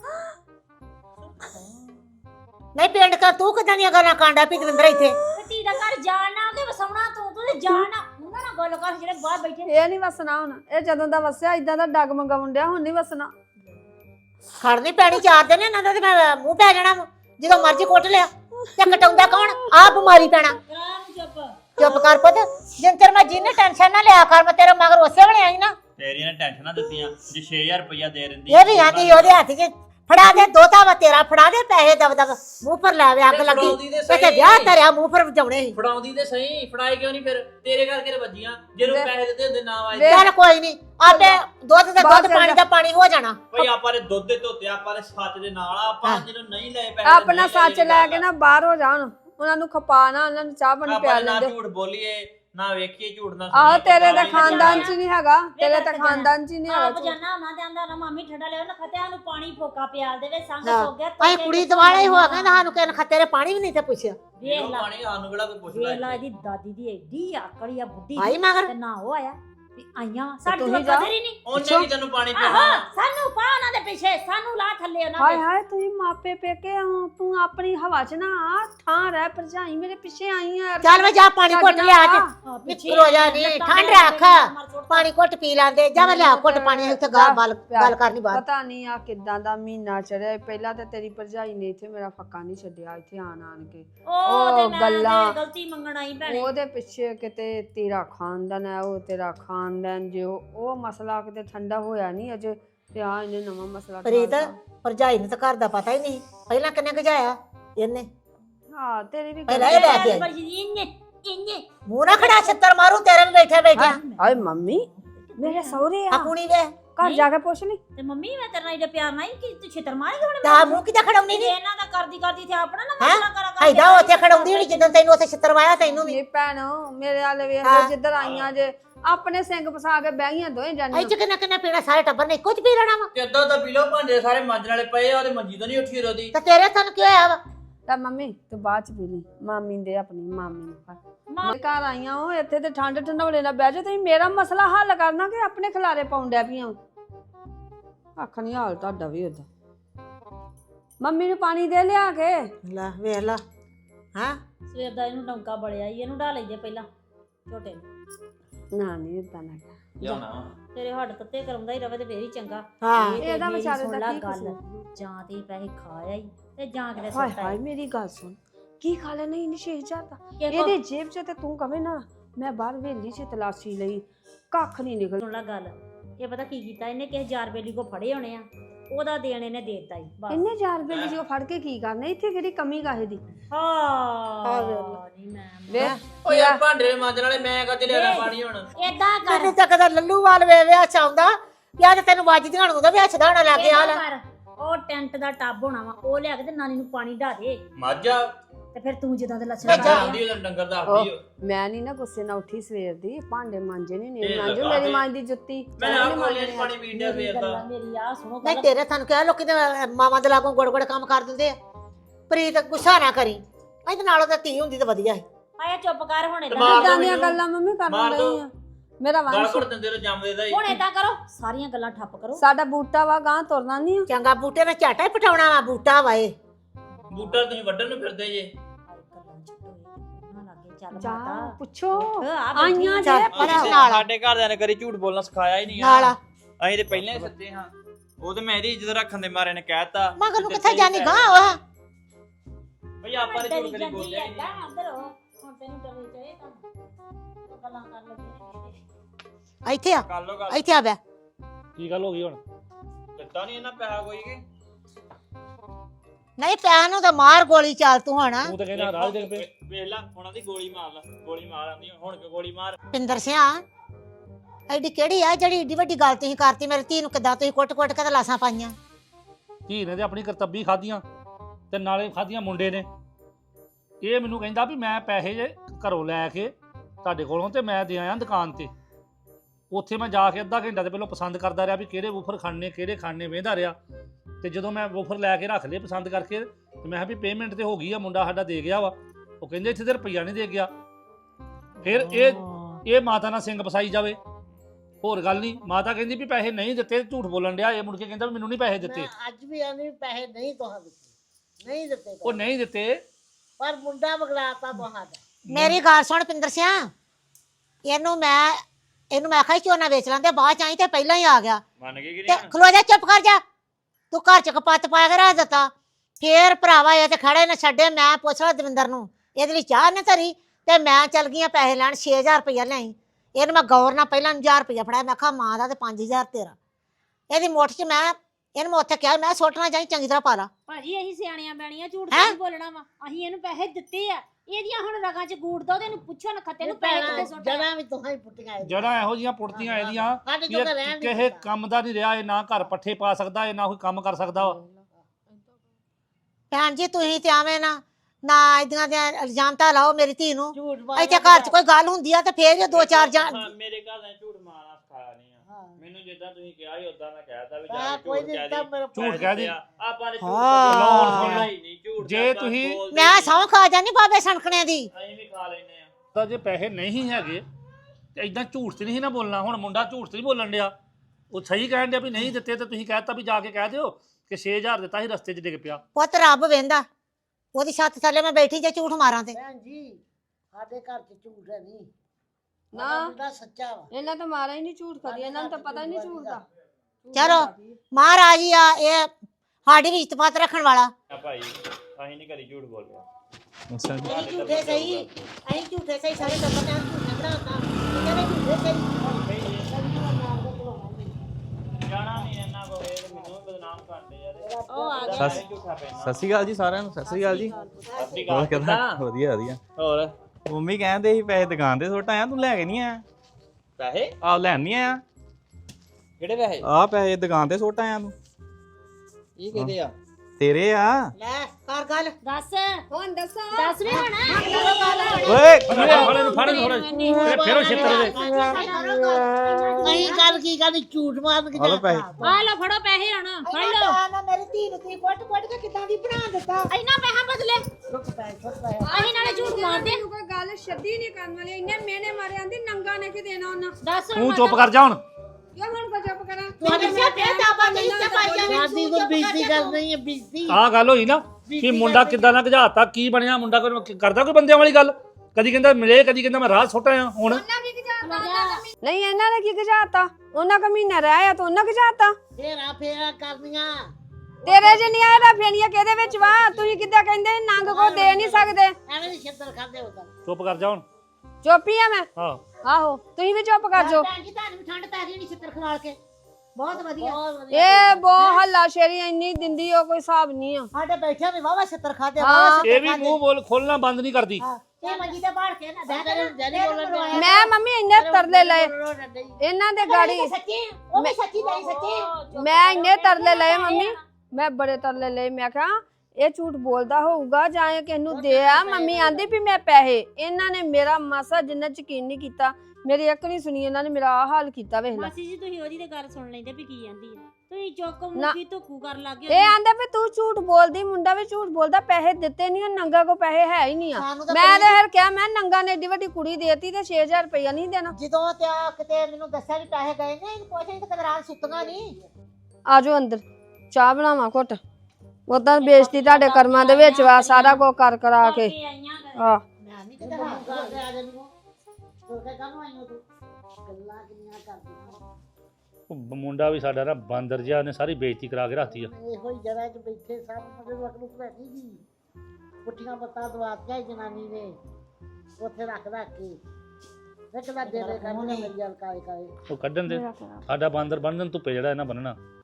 B: ਨਹੀਂ ਪਿੰਡ ਕਰ ਤੂੰ ਕਿਦਾਂ ਦੀਆਂ ਗੱਲਾਂ ਕਾਂਡਾ ਪੀ ਦਵਿੰਦਰ ਇੱਥੇ
A: ਤੇ ਧੀ ਦਾ ਘਰ ਜਾਣਾ ਕਿ ਵਸਾਉਣਾ ਤੂੰ ਤੇ ਜਾਣਾ ਉਹਨਾਂ ਨਾਲ ਗੱਲ ਕਰ ਜਿਹੜੇ ਬਾਹਰ ਬੈਠੇ
F: ਇਹ ਨਹੀਂ ਵਸਣਾ ਹੁਣ ਇਹ ਜਦੋਂ ਦਾ ਵਸਿਆ ਇਦਾਂ ਦਾ ਡੱਗ ਮੰਗਾਉਣ ਡਿਆ ਹੁਣ ਨਹੀਂ ਵਸਣਾ
B: ਖੜਨੀ ਪੈਣੀ 4 ਦਿਨ ਇਹਨਾਂ ਦਾ ਤੇ ਮੈਂ ਮੂੰਹ ਪੈ ਜਾਣਾ ਵਾ। ਜਦੋਂ ਮਰਜ਼ੀ ਕੁੱਟ ਲਿਆ ਤੇ ਕਟਾਉਂਦਾ ਕੌਣ ਆ ਬਿਮਾਰੀ ਪੈਣਾ
A: ਕਰਾਂ ਚੁੱਪ
B: ਚੁੱਪ ਕਰ ਪੁੱਤ ਜਿੰਨ ਚਿਰ ਮੈਂ ਜਿੰਨੇ ਟੈਨਸ਼ਨ ਨਾ ਲਿਆ ਕਰ ਮੈਂ ਤੇਰੇ ਮਗਰ ਉਸੇ ਵੇਲੇ ਆਈ ਨਾ
C: ਤੇਰੀਆਂ ਟੈਨਸ਼ਨਾਂ ਦਿੱਤੀਆਂ ਜੇ 6000 ਰੁਪਇਆ ਦੇ ਦਿੰਦੀ
B: ਇਹ ਵੀ ਆਂਦੀ ਉਹਦੇ ਹੱਥ 'ਚ ਫੜਾ ਦੇ ਦੋਤਾ ਵਾ ਤੇਰਾ ਫੜਾ ਦੇ ਪੈਸੇ ਦਬ ਦਬ ਮੂੰਹ ਪਰ ਲੈ ਵੇ ਅੱਗ ਲੱਗੀ
C: ਫੜਾਉਂਦੀ ਤੇ
B: ਤੇ ਵਿਆਹ ਧਰਿਆ ਮੂੰਹ ਪਰ ਵਜਾਉਣੇ ਸੀ
C: ਫੜਾਉਂਦੀ ਤੇ ਸਹੀ ਫੜਾਏ ਕਿਉਂ ਨਹੀਂ ਫਿਰ ਤੇਰੇ ਕਰਕੇ ਤੇ ਵੱਜੀਆਂ ਜਿਹਨੂੰ ਪੈਸੇ ਦਿੱਤੇ ਹੁੰਦੇ ਨਾ ਆਏ
B: ਚੱਲ ਕੋਈ ਨਹੀਂ ਆਪੇ ਦੁੱਧ ਦਾ ਦੁੱਧ ਪਾਣੀ ਦਾ ਪਾਣੀ ਹੋ ਜਾਣਾ
C: ਭਈ ਆਪਾਂ ਨੇ ਦੁੱਧ ਦੇ ਧੋਤੇ ਆਪਾਂ ਨੇ ਸੱਚ ਦੇ ਨਾਲ ਆ, ਆਪਾਂ ਜਿਹਨੂੰ ਨਹੀਂ ਲਏ ਪੈਸੇ
F: ਆਪਣਾ ਸੱਚ ਲੈ ਕੇ ਨਾ ਬਾਹਰ ਹੋ ਜਾਣ ਉਹਨਾਂ ਨੂੰ ਖਪਾ ਨਾ, ਉਹਨਾਂ ਨੂੰ ਚਾਹ ਪਾਣੀ ਪਿਆ
C: ਨਾ
F: ਲੈਂਦੇ।
C: ਝੂਠ ਬੋਲੀਏ ਨਾ ਵੇਖੀਏ ਝੂਠ ਨਾ
F: ਆਹੋ
C: ਸੁਣੀਏ,
F: ਤੇਰੇ
C: ਪਤਾ
F: ਤਾਂ
C: ਨਹੀਂ
F: ਖਾਨਦਾਨ ਚ
C: ਚੱਲਦਾ।
F: ਨਹੀਂ ਹੈਗਾ, ਤੇਰੇ ਤਾਂ
A: ਵੇਖ
F: ਖਾਨਦਾਨ ਚ ਨਹੀਂ
A: ਆਪ
F: ਹੈਗਾ ਝੂਠ।
A: ਜਾਨਾ ਉਹਨਾਂ ਦੇ ਆਂਦਾ ਨਾ ਮਾਮੀ ਠੰਡਾ ਲਿਓ ਨਾ ਖਤਿਆਂ ਨੂੰ ਪਾਣੀ ਫੋਕਾ ਪਿਆਲ ਦੇਵੇ ਸੰਗ
B: ਹਾਂ।
A: ਹੋ ਗਿਆ
B: ਅਸੀਂ ਕੁੜੀ ਦਿਵਾਲੇ ਹੋ ਗਏ ਤਾਂ ਸਾਨੂੰ ਕਿਸੇ ਖੱਤੇ ਦੇ ਪਾਣੀ ਵੀ ਨਹੀਂ ਤੇ ਪੁੱਛਿਆ
A: ਵੇਖ ਲਾ
C: ਪਾਣੀ ਸਾਨੂੰ ਕਿਹੜਾ ਕੋਈ ਪੁੱਛਦਾ
A: ਵੇਖ ਲਾ
C: ਇੱਥੇ।
A: ਇਹਦੀ ਦਾਦੀ ਦੀ ਐਡੀ ਆਕੜੀ ਆ ਬੁੱਢੀ
B: ਭਾਈ ਮਗਰ
A: ਤੇ ਨਾ ਉਹ ਆਇਆ ਵੀ ਆਈਆਂ ਸਾਡੀ
F: ਤੁਸੀਂ
A: ਤਾਂ
F: ਜਾਓ।
A: ਕਦਰ ਹੀ ਨਹੀਂ
C: ਉਹਨੇ ਵੀ ਤੈਨੂੰ ਪਾਣੀ
A: ਆਹੋ
C: ਪਿਆਉਣਾ
A: ਸਾਨੂੰ ਪਾ ਉਹਨਾਂ ਦੇ ਪਿੱਛੇ ਸਾਨੂੰ ਲਾ ਥੱਲੇ ਉਹਨਾਂ
F: ਹਾਏ
A: ਦੇ
F: ਹਾਏ ਤੁਸੀਂ ਮਾਪੇ ਪੇਕੇ ਹੋ, ਤੂੰ ਆਪਣੀ ਹਵਾ ਚ ਨਾ ਆ, ਠਾਂ ਰਹਿ ਭਰਜਾਈ ਮੇਰੇ ਪਿੱਛੇ ਆਈ ਆ।
B: ਚੱਲ ਵੇ ਜਾ ਪਾਣੀ ਘੁੱਟ ਲਿਆ ਅੱਜ
A: ਹਾਂ, ਪਿੱਛੇ
B: ਨਿਕਲੋ ਜਾ ਨੀ
A: ਲੱਤਾਂ
B: ਠੰਡ
A: ਮਾਰ
B: ਰੱਖ
A: ਮਾਰ ਸੁੱਟ
B: ਪਾਣੀ ਘੁੱਟ ਪੀ ਲੈਂਦੇ ਜਾ ਮੈਂ ਲਿਆ ਘੁੱਟ ਪਾਣੀ ਉੱਥੇ ਗੱਲ ਕਰਨੀ ਬਾਤ
F: ਪਤਾ ਨਹੀਂ ਆ ਕਿਦਾਂ ਦਾ ਮਹੀਨਾ ਚੜਿਆ। ਪਹਿਲਾਂ ਤਾਂ ਤੇਰੀ ਭਰਜਾਈ ਨੇ ਇੱਥੇ ਮੇਰਾ ਫੱਕਾ ਨਹੀਂ ਛੱਡਿਆ, ਇੱਥੇ ਆਣ ਕੇ
A: ਉਹ ਤੇ
F: ਉਹ
A: ਮੈਂ
F: ਗੱਲਾਂ।
A: ਤੇ ਗਲਤੀ ਮੰਗਣ ਆਈ ਭੈਣੇ
F: ਉਹਦੇ ਪਿੱਛੇ ਕਿਤੇ ਤੇਰਾ ਖਾਨਦਾਨ ਹੈ, ਉਹ ਤੇਰਾ ਖਾਨਦਾਨ ਜੇ ਉਹ ਮਸਲਾ ਕਿਤੇ ਠੰਡਾ ਹੋਇਆ ਨਹੀਂ ਅਜੇ, ਤੇ ਆ ਇਹਨੇ ਨਵਾਂ ਮਸਲਾ
B: ਪ੍ਰੀਤ
F: ਠਾਲਤਾ।
B: ਭਰਜਾਈ ਨੂੰ ਤਾਂ ਘਰ ਦਾ ਪਤਾ ਹੀ ਨਹੀਂ ਪਹਿਲਾਂ ਕਿੰਨੇ ਗਜਾਇਆ ਇਹਨੇ
F: ਹਾਂ ਤੇਰੀ ਵੀ
B: ਪਹਿਲਾਂ ਇਹ ਲੈ ਕੇ ਆਈ।
A: ਇੰਨੇ ਇੰਨੇ
B: ਮੂੰਹ ਨਾ ਖੜਾ ਛੱਤਰ ਮਾਰੂ ਤੇਰੇ ਵੀ ਬੈਠੇ ਬੈਠਿਆ
F: ਹਾਏ ਮੰਮੀ ਮੇਰੇ ਸਹੁਰੇ ਆ,
B: ਆ ਕੁੜੀ ਵੇ
F: ਘਰ ਜਾ ਕੇ ਪੁੱਛ ਲਈ।
A: ਤੇ ਮੰਮੀ ਮੈਂ ਤੇਰੇ ਨਾਲ ਇਹਦੇ ਪਿਆਰ ਨਾਲ ਹੀ ਕਿ ਤੂੰ ਛਿੱਤਰ ਮਾਰੇਂਗੀ ਹੁਣ
B: ਤਾਂ ਮੂੰਹ ਕਿੱਦਾਂ ਖੜਾਉਣੀ
A: ਜੇ
B: ਨਹੀਂ
A: ਇਹਨਾਂ ਦਾ ਕਰਦੀ ਕਰਦੀ ਤੇ ਆਪਣਾ ਨਾ
B: ਹੈਂ?
A: ਮਸਲਾ ਕਰਾ
B: ਐਦਾਂ ਉੱਥੇ ਖੜਾਉਂਦੀ ਹੋਣੀ ਜਦੋਂ ਤੈਨੂੰ ਉੱਥੇ ਛਿੱਤਰ ਵਾਇਆ ਤੈਨੂੰ ਵੀ
F: ਨਹੀਂ ਭੈਣੋ ਮੇਰੇ ਵਾਲੇ ਵੇਖ
B: ਹਾਂ।
F: ਲਓ ਜਿੱਧਰ ਆਈਆਂ ਜੇ ਆਪਣੇ ਸਿੰਘ ਫਸਾ ਕੇ ਬਹਿ ਗਈਆਂ ਦੋਵੇਂ ਜਾਨੀਆਂ।
B: ਇੱਥੇ ਕਿੰਨਾ ਕਿੰਨਾ ਪੀਣਾ ਸਾਰੇ ਟੱਬਰ ਨੇ ਇੱਕੋ ਚ ਪੀ ਲੈਣਾ ਵਾ
C: ਕਿੱਦਾਂ ਦਾ ਪੀ ਲਓ, ਭਾਂਡੇ ਸਾਰੇ ਮਾਂਜਣ ਵਾਲੇ ਪਏ ਆ, ਉਹਦੇ ਮੰਜੀ ਤੋਂ ਨਹੀਂ ਉੱਠੀ ਰੋਦੀ।
B: ਤੇ ਤੇਰੇ ਤੁਹਾਨੂੰ ਕੀ ਹੋਇਆ ਵਾ
F: ਤਾਂ ਮੰਮੀ ਤੂੰ ਬਾਅਦ ਚ ਪੀ ਲਈ, ਮਾਮੀ ਦੇ ਆਪਣੀ ਮਾਮੀ ਨੂੰ ਫੜ। ਮੇਰੇ ਘਰ ਆਈਆਂ ਹੋ ਇੱਥੇ ਤੇ ਠੰਡ ਠੰਡੋਲੇ ਨਾਲ ਬਹਿ ਜਾ, ਤੁਸੀਂ ਮੇਰਾ ਮਸਲਾ ਹੱਲ ਕਰਨਾ ਕਿ ਆਪਣੇ ਖਿਲਾਰੇ ਪਾਉਣ ਡੈ ਪਈਆਂ। ਅੱਖ ਨਹੀਂ ਹਾਲ ਤੁਹਾਡਾ ਵੀ ਉਦਾਂ। ਮੰਮੀ ਨੂੰ ਪਾਣੀ ਦੇ ਲਿਆ ਕੇ।
B: ਲੈ ਵੇਖ ਲਾ ਹਾਂ
A: ਸਵੇਰ ਦਾ ਇਹਨੂੰ ਡੰਕਾ ਬੜਿਆ ਈ, ਇਹਨੂੰ ਢਾ ਲਈਏ ਪਹਿਲਾਂ ਝੋਟੇ ਨੂੰ
F: ਨਾ ਨਹੀਂ ਇਦਾਂ ਨਾ ਕਰ।
C: ਲਿਆਉਣਾ
A: ਤੇਰੇ ਹੱਡ ਤੱਤੇ ਕਰਾਉਂਦਾ ਹੀ ਰਵੇ ਤੇ ਫੇਰ ਹੀ ਚੰਗਾ
B: ਹਾਂ
A: ਇਹ ਤੇ
F: ਇਹਦਾ
A: ਮੇਰੀ
F: ਵਿਚਾਰੇ
A: ਸੁਣ
F: ਦਾ
A: ਲਾ
F: ਕੀ
A: ਗੱਲ,
F: ਕਸੂਰ?
A: ਜਾਂ ਤੇ ਪੈਸੇ ਖਾਇਆ ਹੀ ਤੇ ਜਾਂ ਕਿਤੇ
F: ਹਾਏ
A: ਸੁੱਟਾ
F: ਹਾਏ
A: ਈ।
F: ਮੇਰੀ ਗੱਲ ਸੁਣ, ਕੀ ਖਾ ਲੈਣਾ ਇਹਨੇ 6000 ਦਾ?
A: ਇਹ
F: ਇਹਦੇ ਜੇਬ 'ਚ ਤੇ ਤੂੰ ਕਵੇਂ ਨਾ ਮੈਂ ਬਾਹਰ ਵੇਲੀ 'ਚ ਤਲਾਸ਼ੀ ਲਈ, ਕੱਖ ਨਹੀਂ ਨਿਕਲ।
A: ਸੁਣ ਲਾ ਗੱਲ, ਇਹ ਪਤਾ ਕੀ ਕੀਤਾ ਇਹਨੇ ਕਿਸੇ ਯਾਰ ਬੇਲੀ ਕੋ ਫੜੇ ਹੋਣੇ ਆ, ਉਹਦਾ ਦੇਣ ਇਹਨੇ ਦੇਤਾ ਹੀ ਬਸ।
F: ਇਹਨੇ 4 ਰੁਪਏ ਦੀ ਫੜ ਕੇ ਕੀ ਕਰਨਾ? ਇੱਥੇ ਕਿਹੜੀ ਕਮੀ ਕਾਹੇ ਦੀ?
A: ਹਾਂ ਨਹੀਂ ਮੈਂ
F: ਵੇਖ
C: ਓ ਯਾਰ ਭਾਂਡੇ ਮਾਂਜਣ ਵਾਲੇ ਮੈਂ ਕਦ ਲਿਆਣਾ ਪਾਣੀ ਹੁਣ।
A: ਏਦਾਂ ਕਰ
B: ਤੈਨੂੰ ਤਾਂ ਕਦੇ ਲੱਲੂਵਾਲ ਵੇ ਵਿਆਹ ਚ ਆਉਂਦਾ ਵਿਆਹ ਤੇ ਤੈਨੂੰ ਵੱਜਦੀਆਂ ਨੂੰ ਉਹਦਾ ਵਿਆਹ ਚ ਦਾਣਾ ਲੱਗ ਗਿਆ
A: ਏਦਾਂ
B: ਲੈ
A: ਕਰ, ਉਹ ਟੈਂਟ ਦਾ ਟੱਬ ਹੋਣਾ ਵਾ, ਉਹ ਲਿਆ ਕੇ ਤੇ ਨਾਨੀ ਨੂੰ ਪਾਣੀ ਢਾ ਦੇ,
C: ਮਾਝਾ
A: ਤੇ ਫਿਰ ਤੂੰ ਜਿੱਦਾਂ ਦੇ ਲੱਛਣ
B: ਜਾ।
A: ਕਰਦੇ ਆ
C: ਆਉਂਦੀ ਉਹਦਾ ਡੰਗਰ ਦਾ ਆਪਦੀ ਓ।
F: ਮੈਂ ਨਹੀਂ ਨਾ ਗੁੱਸੇ ਨਾਲ ਉੱਠੀ ਸਵੇਰ ਦੀ, ਭਾਂਡੇ ਮਾਂਜੇ ਨਹੀਂ
C: ਇਹ
F: ਮਾਂਜੋ,
C: ਲਗਾ
F: ਮੇਰੀ
C: ਦੇ।
F: ਮਾਂ ਦੀ ਜੁੱਤੀ
C: ਮੈਂ
F: ਚਾਹ
C: ਆਪ
F: ਨੀ
C: ਕੋਲੇ
F: ਮਾਂਜਣੀ
C: ਪਾਣੀ ਪੀਣ ਡਿਆ ਸਵੇਰ ਦਾ।
A: ਮੇਰੀ ਆ ਸੁਣੋ
B: ਨਹੀਂ
A: ਗੱਲ,
B: ਤੇਰੇ ਤੁਹਾਨੂੰ ਕਿਹਾ ਲੋਕੀ ਤੇ ਮਾਵਾਂ ਦੇ ਲਾਗੋਂ ਗੋੜ ਗੋੜ ਕੰਮ ਕਰ ਦਿੰਦੇ ਆ ਪ੍ਰੀਤ ਗੁੱਸਾ ਨਾ ਕਰੀ ਇਹਦੇ ਨਾਲੋਂ ਤਾਂ ਧੀ ਹੁੰਦੀ ਤਾਂ ਵਧੀਆ ਸੀ
A: ਆਇਆ ਚੁੱਪ ਕਰ ਹੁਣ ਏਦਾਂ
C: ਮਾਰ
F: ਇਦਾਂ
C: ਦੋ
F: ਦੀਆਂ
C: ਮੈਨੂੰ।
F: ਗੱਲਾਂ ਮੰਮੀ ਕਰਨ
C: ਮਾਰ ਦੋ।
F: ਰਹੀ ਆ। ਮੇਰਾ
C: ਗਲ
F: ਵੰਸ਼
C: ਘੁੱਟ ਦਿੰਦੇ ਤੇ ਜੰਮਦੇ ਦਾ ਹੀ।
A: ਹੁਣ ਏਦਾਂ ਕਰੋ, ਸਾਰੀਆਂ ਗੱਲਾਂ ਠੱਪ ਕਰੋ।
F: ਸਾਡਾ ਬੂਟਾ ਵਾ, ਗਾਂ ਤੁਰਨਾ ਨਹੀਂ।
B: ਚੰਗਾ ਬੂਟੇ ਨਾਲ ਝਾਟਾ ਹੀ ਪਟਾਉਣਾ ਵਾ ਬੂਟਾ ਵਾ ਇਹ
C: ਬੂਟਾ ਤੁਸੀਂ ਵੱਢਣ ਨੂੰ ਫਿਰਦੇ ਜੇ।
A: ਆਏ ਗੱਲਾਂ ਛੱਡੋ ਇਹ, ਉਹਨਾਂ ਲਾਗੇ ਚੱਲ
F: ਜਾ
A: ਮਾਤਾ
F: ਪੁੱਛੋ
A: ਆ
F: ਆਈਆਂ
B: ਚੱਲ
F: ਜੇ
B: ਪਰਾਂ ਨਾਲ
C: ਸਾਡੇ ਘਰਦਿਆਂ ਨੇ ਕਰੀ ਝੂਠ ਬੋਲਣਾ ਸਿਖਾਇਆ ਹੀ ਨਹੀਂ
B: ਨਾਲ ਆ।
C: ਅਸੀਂ ਤੇ ਪਹਿਲਾਂ ਹੀ ਸੱਚੇ ਹਾਂ। ਉਹ ਤੇ ਮੈਂ ਇਹਦੀ ਇੱਜ਼ਤ ਰੱਖਣ ਦੇ ਮਾਰੇ ਨੇ ਕਹਿਤਾ
B: ਮਗਰ ਨੂੰ ਕਿੱਥੇ ਜਾਣੀ ਗਾਂ ਵਾ
C: ਭਈ ਆਪਾਂ ਨੇ ਝੂਠ ਕਦੀ ਬੋਲਿਆ ਹੀ ਨਹੀਂ।
A: ਅੰਦਰ ਹੋ, ਹੁਣ ਤੈਨੂੰ ਡਰੇ ਚਾਹੇ ਤਾਂ ਗੱਲਾਂ ਕਰ ਲੱਗੇ
B: ਇੱਥੇ ਆ
C: ਕਰ ਲੋ ਗੱਲ।
B: ਇੱਥੇ ਆ ਬੈ
E: ਕੀ ਗੱਲ ਹੋ ਗਈ ਹੁਣ?
C: ਦਿੱਤਾ ਨਹੀਂ ਇਹਨਾਂ ਪੈਸਾ ਕੋਈ ਕਿ
B: ਨਹੀਂ ਪੈਨ ਨੂੰ ਤਾਂ ਮਾਰ ਗੋਲੀ ਚੱਲ ਤੂੰ ਹੁਣ
E: ਤੂੰ ਤਾਂ ਕਹਿੰਦਾ ਰਾਜ ਦੇ ਪਏ।
C: ਵੇਖ ਲੈ ਉਹਨਾਂ ਦੀ ਗੋਲੀ ਮਾਰ ਲੈ, ਗੋਲੀ ਮਾਰ ਆਂਦੀ ਹੁਣ ਕਿ ਗੋਲੀ ਮਾਰ।
B: ਪਿੰਦਰ ਸਿਆ ਐਡੀ ਕਿਹੜੀ ਆ ਜਿਹੜੀ ਏਡੀ ਵੱਡੀ ਗੱਲ ਤੁਸੀਂ ਕਰਤੀ ਮੇਰੀ ਧੀ ਨੂੰ ਕਿੱਦਾਂ ਤੁਸੀਂ ਕੁੱਟ-ਕੁੱਟ ਕੇ ਤੇ ਲਾਸਾਂ ਪਾਈਆਂ
E: ਧੀ ਨੇ ਤੇ ਆਪਣੀ ਕਰਤੱਬੀ ਖਾਧੀਆਂ ਤੇ ਨਾਲੇ ਖਾਧੀਆਂ ਮੁੰਡੇ ਨੇ। ਇਹ ਮੈਨੂੰ ਕਹਿੰਦਾ ਵੀ ਮੈਂ ਪੈਸੇ ਜੇ ਘਰੋਂ ਲੈ ਕੇ ਤੁਹਾਡੇ ਕੋਲੋਂ ਤੇ ਮੈਂ ਦੇ ਆਇਆ ਦੁਕਾਨ ਤੇ। ਉੱਥੇ ਮੈਂ ਜਾ ਕੇ ਅੱਧਾ ਘੰਟਾ ਤੇ ਪਹਿਲਾਂ ਪਸੰਦ ਕਰਦਾ ਰਿਹਾ ਵੀ ਕਿਹੜੇ ਵੂਫਰ ਖਾਣੇ ਕਿਹੜੇ ਖਾਣੇ ਵੇਂਦਾ ਰਿਹਾ। ਤੇ ਜਦੋਂ ਮੈਂ ਵੂਫਰ ਲੈ ਕੇ ਰੱਖ ਲਏ ਪਸੰਦ ਕਰਕੇ ਤੇ ਮੈਂ ਕਿਹਾ ਵੀ ਪੇਮੈਂਟ ਤੇ ਹੋ ਗਈ ਆ, ਮੁੰਡਾ ਸਾਡਾ ਦੇ ਗਿਆ ਵਾ। ਉਹ ਕਹਿੰਦੇ ਇੱਥੇ ਤੇ ਰੁਪਈਆ ਨਹੀਂ ਦੇ ਗਿਆ। ਫਿਰ ਇਹ ਮਾਤਾ ਨਾਲ ਸਿੰਘ ਫਸਾਈ ਜਾਵੇ, ਹੋਰ ਗੱਲ ਨਹੀਂ। ਮਾਤਾ ਕਹਿੰਦੀ ਵੀ ਪੈਸੇ ਨਹੀਂ ਦਿੱਤੇ, ਝੂਠ ਬੋਲਣ ਡਿਆ। ਇਹ ਮੁੜ ਕੇ ਕਹਿੰਦਾ ਵੀ ਮੈਨੂੰ ਨਹੀਂ ਪੈਸੇ ਦਿੱਤੇ।
D: ਅੱਜ ਵੀ ਆਨੇ ਪੈਸੇ ਨਹੀਂ ਤੋਹਾਂ ਦਿੱਤੇ, ਨਹੀਂ ਦਿੱਤੇ
E: ਉਹ ਨਹੀਂ ਦਿੱਤੇ।
D: ਪਰ ਮੁੰਡਾ ਬਗਲਾਤਾ ਤੋਹਾਂ ਦਾ।
B: ਮੇਰੀ ਗੱਲ ਸੁਣ ਪਿੰਦਰ ਸਿਆ ਇਹਨੂੰ ਮੈਂ ਆਖਿਆ ਸੀ ਝੋਨਾ ਵੇਚ ਲੈਂਦੇ ਬਾਅਦ ਚ ਆਈ ਤੇ ਪਹਿਲਾਂ ਹੀ ਆ ਗਿਆ
C: ਮੰਨ ਗਏ ਕਿ
B: ਤੇ
C: ਨਹੀਂ?
B: ਖਲੋ ਜਾ ਚੁੱਪ ਕਰ ਜਾ ਤੂੰ ਘਰ ਚ ਕਪੱਤ ਪਾ ਕੇ ਰੱਖ ਦਿੱਤਾ। ਫੇਰ ਭਰਾਵਾ ਇਹ ਤੇ ਖੜੇ ਨਾ ਛੱਡੇ। ਮੈਂ ਪੁੱਛ ਲਾ ਦਵਿੰਦਰ ਨੂੰ ਇਹਦੇ ਲਈ ਚਾਹ ਨੇ ਧਰੀ ਤੇ ਮੈਂ ਚੱਲ ਗਈਆਂ ਪੈਸੇ ਲੈਣ 6000 ਰੁਪਇਆ ਲਿਆਈ। ਇਹਨੂੰ ਮੈਂ ਗੌਰ ਨਾਲ ਪਹਿਲਾਂ 1000 ਰੁਪਇਆ ਫੜਾਇਆ। ਮੈਂ ਕਿਹਾ ਮਾਂ ਦਾ ਤੇ 5000 ਤੇਰਾ। ਇਹਦੀ ਮੁੱਠ ਚ ਇਹਨੂੰ ਮੈਂ ਉੱਥੇ ਕਿਹਾ ਮੈਂ ਸੁੱਟਣਾ ਚਾਹੀ ਚੰਗੀ ਤਰ੍ਹਾਂ ਪਾ ਲਾ।
A: ਭਾਜੀ ਅਸੀਂ ਸਿਆਣੀਆਂ ਬੈਣੀਆਂ ਝੂਠ
B: ਹੈਂ?
A: ਨਹੀਂ ਬੋਲਣਾ ਵਾ, ਅਸੀਂ ਇਹਨੂੰ ਪੈਸੇ ਦਿੱਤੇ ਆ, ਇਹਦੀਆਂ ਹੁਣ ਰਗਾਂ 'ਚ ਗੂੜ ਦੋ ਤੇ ਇਹਨੂੰ ਪੁੱਛੋ ਨਾ ਖੱਤੇ ਨੂੰ ਪੈਸੇ ਕਿੱਥੇ ਸੁੱਟੇ।
D: ਜੜਾਂ ਵੀ ਤੋਹਾਂ ਹੀ ਪੁੱਟੀਆਂ ਇਹਦੀਆਂ।
E: ਜੜਾਂ ਇਹੋ ਜੀਆਂ ਪੁੱਟਦੀਆਂ ਇਹਦੀਆਂ
D: ਸਾਡੇ
E: ਵੀ
D: ਜੋਗਾ
E: ਇਹ
D: ਰਹਿਣ ਨਹੀਂ
E: ਕਿਸੇ
D: ਦਿੱਤਾ।
E: ਕੰਮ ਦਾ ਨਹੀਂ ਰਿਹਾ। ਇਹ ਨਾ ਘਰ ਪੱਠੇ ਪਾ ਸਕਦਾ, ਇਹ ਨਾ ਕੋਈ ਕੰਮ ਕਰ ਸਕਦਾ ਵਾ।
B: ਭੈਣ ਜੀ ਤੁਸੀਂ ਤੇ ਆਵੇਂ ਨਾ ਨਾ ਇਦਾਂ ਦੇ ਇਲਜ਼ਾਮ ਤਾਂ ਲਾਓ ਮੇਰੀ ਧੀ ਨੂੰ।
D: ਝੂਠ
B: ਇੱਥੇ ਘਰ 'ਚ ਕੋਈ ਗੱਲ ਹੁੰਦੀ ਆ ਤੇ ਫੇਰ ਜੇ ਦੋ ਚਾਰ ਜਾਂ
C: ਮੇਰੇ ਘਰ ਦਾ ਝੂਠ ਮਾਰਨਾ ਸਿਖਾਇਆ ਨਹੀਂ ਆ।
D: ਹਾਂ।
C: ਮੈਨੂੰ ਜਿੱਦਾਂ ਤੁਸੀਂ ਕਿਹਾ ਸੀ ਉਦਾਂ ਮੈਂ ਕਹਿਤਾ ਵੀ
D: ਮੈਂ
C: ਜਾ
D: ਕੋਈ
C: ਝੂਠ
D: ਨਹੀਂ
C: ਕਹਿ
D: ਦਿੱਤਾ
C: ਦੀ
D: ਮੇਰਾ
E: ਝੂਠ ਕਹਿ ਦੀ।
C: ਆਪਾਂ ਨੇ ਝੂਠ
D: ਹਾਂ।
E: ਸੁਣ ਲਓ।
C: ਨਹੀਂ ਝੂਠ
E: ਜੇ
C: ਤਾਂ
E: ਤੁਸੀਂ-
C: ਬੋਲਦੇ
B: ਮੈਂ
C: ਨਹੀਂ।
B: ਸਹੁੰ ਖਾ ਜਾਨੀ ਬਾਬੇ ਸਣਕਣੇ ਦੀ।
C: ਅਸੀਂ ਵੀ ਖਾ ਲੈਨੇ ਆ।
E: ਤਾਂ ਜੇ ਪੈਸੇ ਨਹੀਂ ਹੈਗੇ ਤੇ ਇਦਾਂ ਝੂਠ ਤੇ ਨਹੀਂ ਨਾ ਬੋਲਣਾ। ਹੁਣ ਮੁੰਡਾ ਝੂਠ ਤੇ ਨਹੀਂ ਬੋਲਣ ਡਿਆ, ਉਹ ਸਹੀ ਕਹਿਣ ਡਿਆ ਵੀ ਨਹੀਂ ਦਿੱਤੇ ਤੇ ਤੁਸੀਂ ਕਹਿਤਾ ਵੀ ਜਾ ਕੇ ਕਹਿ ਦਿਓ ਕਿ 6000 ਦਿੱਤਾ ਸੀ ਰਸਤੇ 'ਚ ਡਿੱਗ ਪਿਆ।
B: ਪੁੱਤ ਰੱਬ ਵੇਂਦਾ, ਉਹਦੀ ਛੱਤ ਥੱਲੇ ਮੈਂ ਬੈਠੀ ਜੇ ਝੂਠ ਮਾਰਾਂ ਤੇ।
D: ਭੈਣ ਜੀ ਸਾਡੇ ਘਰ 'ਚ ਝੂਠ ਹੈ ਨਹੀਂ,
F: ਨਾ।
D: ਸਾਡਾ ਮੁੰਡਾ ਸੱਚਾ ਵਾ।
F: ਇਹਨਾਂ ਤਾਂ ਮਾਰਾ ਹੀ ਨਹੀਂ ਝੂਠ ਕਦੀ, ਇਹਨਾਂ ਨੂੰ ਤਾਂ ਪਤਾ ਹੀ ਨਹੀਂ ਝੂਠ ਦਾ।
B: ਚਲੋ ਮਹਾਰਾਜ ਹੀ ਆ ਇਹ ਸਾਡੀ ਵੀ ਇੱਜ਼ਤ ਰੱਖਣ ਵਾਲਾ।
C: ਆ ਭਾਈ ਅਸੀਂ ਨਹੀਂ ਕਦੀ ਝੂਠ ਬੋਲਿਆ।
B: ਅਸੀਂ ਝੂਠੇ ਸਹੀ, ਅਸੀਂ ਝੂਠੇ ਸਹੀ, ਸਾਰੇ ਟੱਬਰ ਨੇ ਝੂਠੇ ਬਣਾਤਾ। ਇਹਨਾਂ ਨੇ ਝੂਠੇ ਸਹੀ।
C: ਜਾਣਾ ਨਹੀਂ ਇਹਨਾਂ ਕੋਲ, ਇਹ ਮੈਨੂੰ ਵੀ ਬਦਨਾਮ ਕਰਦੇ ਯਾਰ।
A: ਉਹ ਆ
C: ਝੂਠਾ ਪੈਣਾ।
G: ਸਤਿ ਸ਼੍ਰੀ ਅਕਾਲ ਜੀ ਸਾਰਿਆਂ ਨੂੰ। ਸਤਿ ਸ਼੍ਰੀ ਅਕਾਲ ਜੀ।
C: ਸਤਿ
G: ਹੋਰ
C: ਸ਼੍ਰੀ
G: ਕਿਦਾਂ?
C: ਅਕਾਲ।
G: ਵਧੀਆ ਵਧੀਆ।
C: ਹੋਰ
G: ਮੰਮੀ ਕਹਿੰਦੇ ਸੀ ਪੈਸੇ ਦੁਕਾਨ ਤੇ ਸੁੱਟ ਆਇਆ, ਤੂੰ ਲੈ ਕੇ ਨਹੀਂ ਆਇਆ?
C: ਪੈਸੇ
G: ਆਹ ਲੈਣ ਨਹੀਂ ਆਇਆ?
C: ਕਿਹੜੇ ਪੈਸੇ?
G: ਆਹ ਪੈਸੇ ਦੁਕਾਨ ਤੇ ਸੁੱਟ ਆਇਆ ਤੂੰ?
C: ਇਹ ਕਿਹਦੇ ਆ?
G: ਤੇਰੇ ਆ।
B: ਲੈ ਕਰ ਗੱਲ।
A: ਦੱਸ
F: ਹੁਣ ਦੱਸੋ।
A: ਦੱਸ ਵੀ ਹੁਣ
G: ਓਏ
E: ਫੜ ਫੇਰੋ ਛੇਤਰ ਦੇ।
D: ਅਸੀਂ ਗੱਲ ਕੀ ਕਰਨੀ, ਝੂਠ ਮਾਰਨ ਕੀ
G: ਆ ਲਓ ਪੈਸੇ।
A: ਆ ਲਓ ਫੜੋ ਪੈਸੇ ਹੁਣ ਫੜ ਲਓ।
B: ਨਾ ਮੇਰੀ ਧੀ ਨੂੰ ਤੁਸੀਂ ਕੁੱਟ ਕੇ ਕਿਦਾਂ ਦੀ ਬਣਾ ਦਿੱਤਾ।
A: ਇੰਨਾ ਪੈਸਾ ਬਦਲੇ
D: ਸੁੱਟ ਪੈ ਸੁੱਟ ਪੈ।
A: ਅਸੀਂ ਨਾਲੇ ਝੂਠ ਮਾਰਦੇ।
F: ਮੈਨੂੰ ਕੋਈ ਗੱਲ ਛੱਡੀ ਨਹੀਂ ਕਰਨ ਵਾਲੀ, ਇੰਨੇ ਮੇਨੇ ਮਾਰੇ ਆਂਦੀ ਨੰਗਾ ਨੇ ਕੀ ਦੇਣਾ ਉਹਨਾਂ।
A: ਦੱਸ
E: ਤੂੰ ਚੁੱਪ ਕਰ ਜਾ ਹੁਣ।
F: ਕਿਉਂ ਹੁਣ ਕੋ ਚੁੱਪ ਕਰਾਂ?
B: ਤੁਹਾਡੇ ਸਿਰ ਤੇ ਦਾਬਾ ਨਹੀਂ ਤੇ ਪਾਈ ਜਾਣੀ।
D: ਸਾਡੀ ਕੋਈ ਬੇਇੱਜ਼ਤੀ ਕਰ ਨਹੀਂ ਹੈ, ਬੇਇੱਜ਼ਤੀ।
E: ਆਹ ਗੱਲ ਹੋਈ ਨਾ ਕਿ ਮੁੰਡਾ ਕਿੱਦਾਂ ਨਾ ਗਝਾਤਾ, ਕੀ ਬਣਿਆ ਮੁੰਡਾ? ਕੋਈ ਕਰਦਾ ਕੋਈ ਬੰਦਿਆਂ ਵਾਲੀ ਗੱਲ? ਕਦੀ ਕਹਿੰਦਾ ਮਿਲੇ, ਕਦੀ ਕਹਿੰਦਾ ਮੈਂ ਰਾਹ ਸੁੱਟ ਆਇਆ। ਹੁਣ
F: ਨਹੀਂ ਇਹਨਾਂ ਨੇ ਕੀ ਗਜਾਤਾ? ਉਹਨਾਂ ਕਾ ਮਹੀਨਾ ਰਹਿ ਆ ਤਾਂ ਉਹਨਾਂ ਗਜਾਤਾ।
D: ਫੇਰਾ ਕਰਨੀਆਂ।
F: ਤੇਰੇ ਜਿੰਨੀਆਂ ਇਹਦਾ ਫੇਣੀਆਂ ਕਿਹਦੇ ਵਿੱਚ ਵਾ? ਤੁਸੀਂ ਕਿੱਦਾਂ ਕਹਿੰਦੇ ਨੰਗ ਕੋ ਦੇ ਨਹੀਂ ਸਕਦੇ?
D: ਐਵੇਂ ਨਹੀਂ ਛੱਤਰ ਖਾਂਦੇ ਹੁੰਦਾ।
E: ਚੁੱਪ ਕਰ ਜਾ ਹੁਣ।
F: ਚੁੱਪ ਹੀ ਆ ਮੈਂ।
E: ਹਾਂ
F: ਆਹੋ ਤੁਸੀਂ ਵੀ ਚੁੱਪ ਕਰ ਜਾਓ।
B: ਭੈਣ ਜੀ ਤੁਹਾਨੂੰ ਵੀ ਠੰਡ ਪੈ ਗਈ ਨਹੀਂ ਛਿੱਤਰ ਖਵਾਲ ਕੇ। ਬਹੁਤ ਵਧੀਆ।
F: ਇਹ ਬਹੁਤ ਹੱਲਾ ਸ਼ੇਰੀ ਇੰਨੀ ਦਿੰਦੀ ਉਹ ਕੋਈ ਹਿਸਾਬ ਨਹੀਂ ਆ।
B: ਸਾਡੇ ਬੈਠਿਆਂ ਨੇ ਵਾਵਾ ਛਿੱਤਰ ਖਾਦੇ।
F: ਹਾਂ।
E: ਇਹ ਵੀ ਮੂੰਹ ਬੋਲ ਖੋਲਣਾ ਬੰਦ ਨਹੀਂ ਕਰਦੀ।
B: ਇਹ ਮੰਜੀ ਤੇ ਬਾੜ ਕੇ ਨਾ ਬਹਿ
F: ਮੈਂ ਮੰਮੀ ਇੰਨੇ ਤਰਲੇ ਲਏ ਇਹਨਾਂ ਦੇ ਗਾੜੀ।
B: ਸੱਚੀ ਉਹ ਵੀ ਸੱਚੀ ਨਹੀਂ ਸੱਚੀ।
F: ਮੈਂ ਇੰਨੇ ਤਰਲੇ ਲਏ ਮੰਮੀ, ਮੈਂ ਬੜੇ ਤਰਲੇ ਲਏ। ਮੈਂ ਕਿਹਾ ਇਹ ਝੂਠ ਬੋਲਦਾ ਹੋਊਗਾ ਜਾਂ ਇਹ ਕਿਸ ਨੂੰ ਦੇ ਆ। ਮੰਮੀ ਆਂਦੀ ਵੀ ਮੈਂ ਪੈਸੇ, ਇਹਨਾਂ ਨੇ ਮੇਰਾ ਮਾਸਾ ਜਿੰਨਾ ਯਕੀਨ ਨਹੀਂ ਕੀਤਾ। ਮੇਰੀ ਇੱਕ ਨਹੀਂ ਸੁਣੀ, ਇਹਨਾਂ ਨੇ ਮੇਰਾ ਆਹ ਹਾਲ ਕੀਤਾ। ਵੇਖ ਲੈ,
A: ਮਾਸੀ ਜੀ ਤੁਸੀਂ ਉਹਦੀ ਤੇ ਗੱਲ ਸੁਣ ਲੈਂਦੇ ਵੀ ਕੀ ਜਾਂਦੀ ਆ। ਤੁਸੀਂ ਚੁੱਕ
F: ਨਾ।
A: ਮੁੱਕੀ ਧੁੱਕੂ ਕਰਨ ਲੱਗ
F: ਇਹ
A: ਗਏ।
F: ਆਂਦੇ ਵੀ ਤੂੰ ਝੂਠ ਬੋਲਦੀ, ਮੁੰਡਾ ਵੀ ਝੂਠ ਬੋਲਦਾ। ਪੈਸੇ ਦਿੱਤੇ ਨਹੀਂ, ਨੰਗਾ ਕੋ ਪੈਸੇ ਹੈ ਹੀ ਨਹੀਂ ਆ।
B: ਸਾਨੂੰ ਤਾਂ
F: ਮੈਂ ਤੇ ਫਿਰ ਕਿਹਾ ਮੈਂ ਨੰਗਾ ਨੇ ਏਡੀ ਵੱਡੀ ਕੁੜੀ ਦੇਤੀ ਤੇ 6000 ਰੁਪਇਆ ਨਹੀਂ ਦੇਣਾ।
B: ਜਦੋਂ ਤੇ ਆ ਕਿਤੇ ਮੈਨੂੰ ਦੱਸਿਆ ਵੀ ਪੈਸੇ ਗਏ ਨੇ, ਇਹਨੂੰ ਪੁੱਛਿਆ ਤੇ ਕਦਰਾਂ ਸੁੱਤੀਆਂ ਨਹੀਂ।
F: ਆਜੋ ਅੰਦਰ ਚਾਹ ਬਣਾਵਾਂ ਘੁੱਟ। ਉਦਾਂ ਬੇਇੱਜ਼ਤੀ ਤੁਹਾਡੇ ਕਰਮਾਂ ਦੇ ਵਿੱਚ ਵਾ, ਸਾਰਾ ਕੁਝ ਕਰ ਕਰਾ ਕੇ। ਆ
B: ਮੈਂ ਨਹੀਂ ਕਿਤੇ ਹਾਂ ਕਰਦੇ ਆ ਜਨੂੰ ਤੂੰ ਕਹਿ ਕਾਹਨੂੰ ਆਈ ਹੋ ਤੂੰ? ਗੱਲਾਂ ਕਿੰਨੀਆਂ ਕਰਦੀਆਂ।
E: ਉਹ ਮੁੰਡਾ ਵੀ ਸਾਡਾ ਨਾ ਬਾਂਦਰ ਜਿਹਾ, ਉਹਨੇ ਸਾਰੀ ਬੇਇੱਜ਼ਤੀ ਕਰਾ ਕੇ ਰੱਖਤੀ ਆ।
D: ਇਹੋ ਹੀ ਜਗ੍ਹਾ 'ਚ ਬੈਠੇ ਸਭ ਮੁੰਡੇ ਨੂੰ ਅਕਲ ਉਕਲ ਹੈਗੀ ਜੀ। ਪੁੱਠੀਆਂ ਬੱਤਾਂ ਦਵਾਤੀਆਂ ਜਨਾਨੀ ਨੇ ਉੱਥੇ ਰੱਖ ਕੇ। ਇੱਕ ਦਾ ਦੇ ਦੇ ਕਰਨੀ ਮੇਰੀ ਗੱਲ ਕਾਏ ਕਾਏ।
E: ਉਹ ਕੱਢਣ ਦੇ। ਸਾਡਾ ਬਾਂਦਰ ਬੰਨਣ ਧੁੱਪੇ ਜਿਹੜਾ ਇਹਨਾਂ ਬੰਨਣਾ।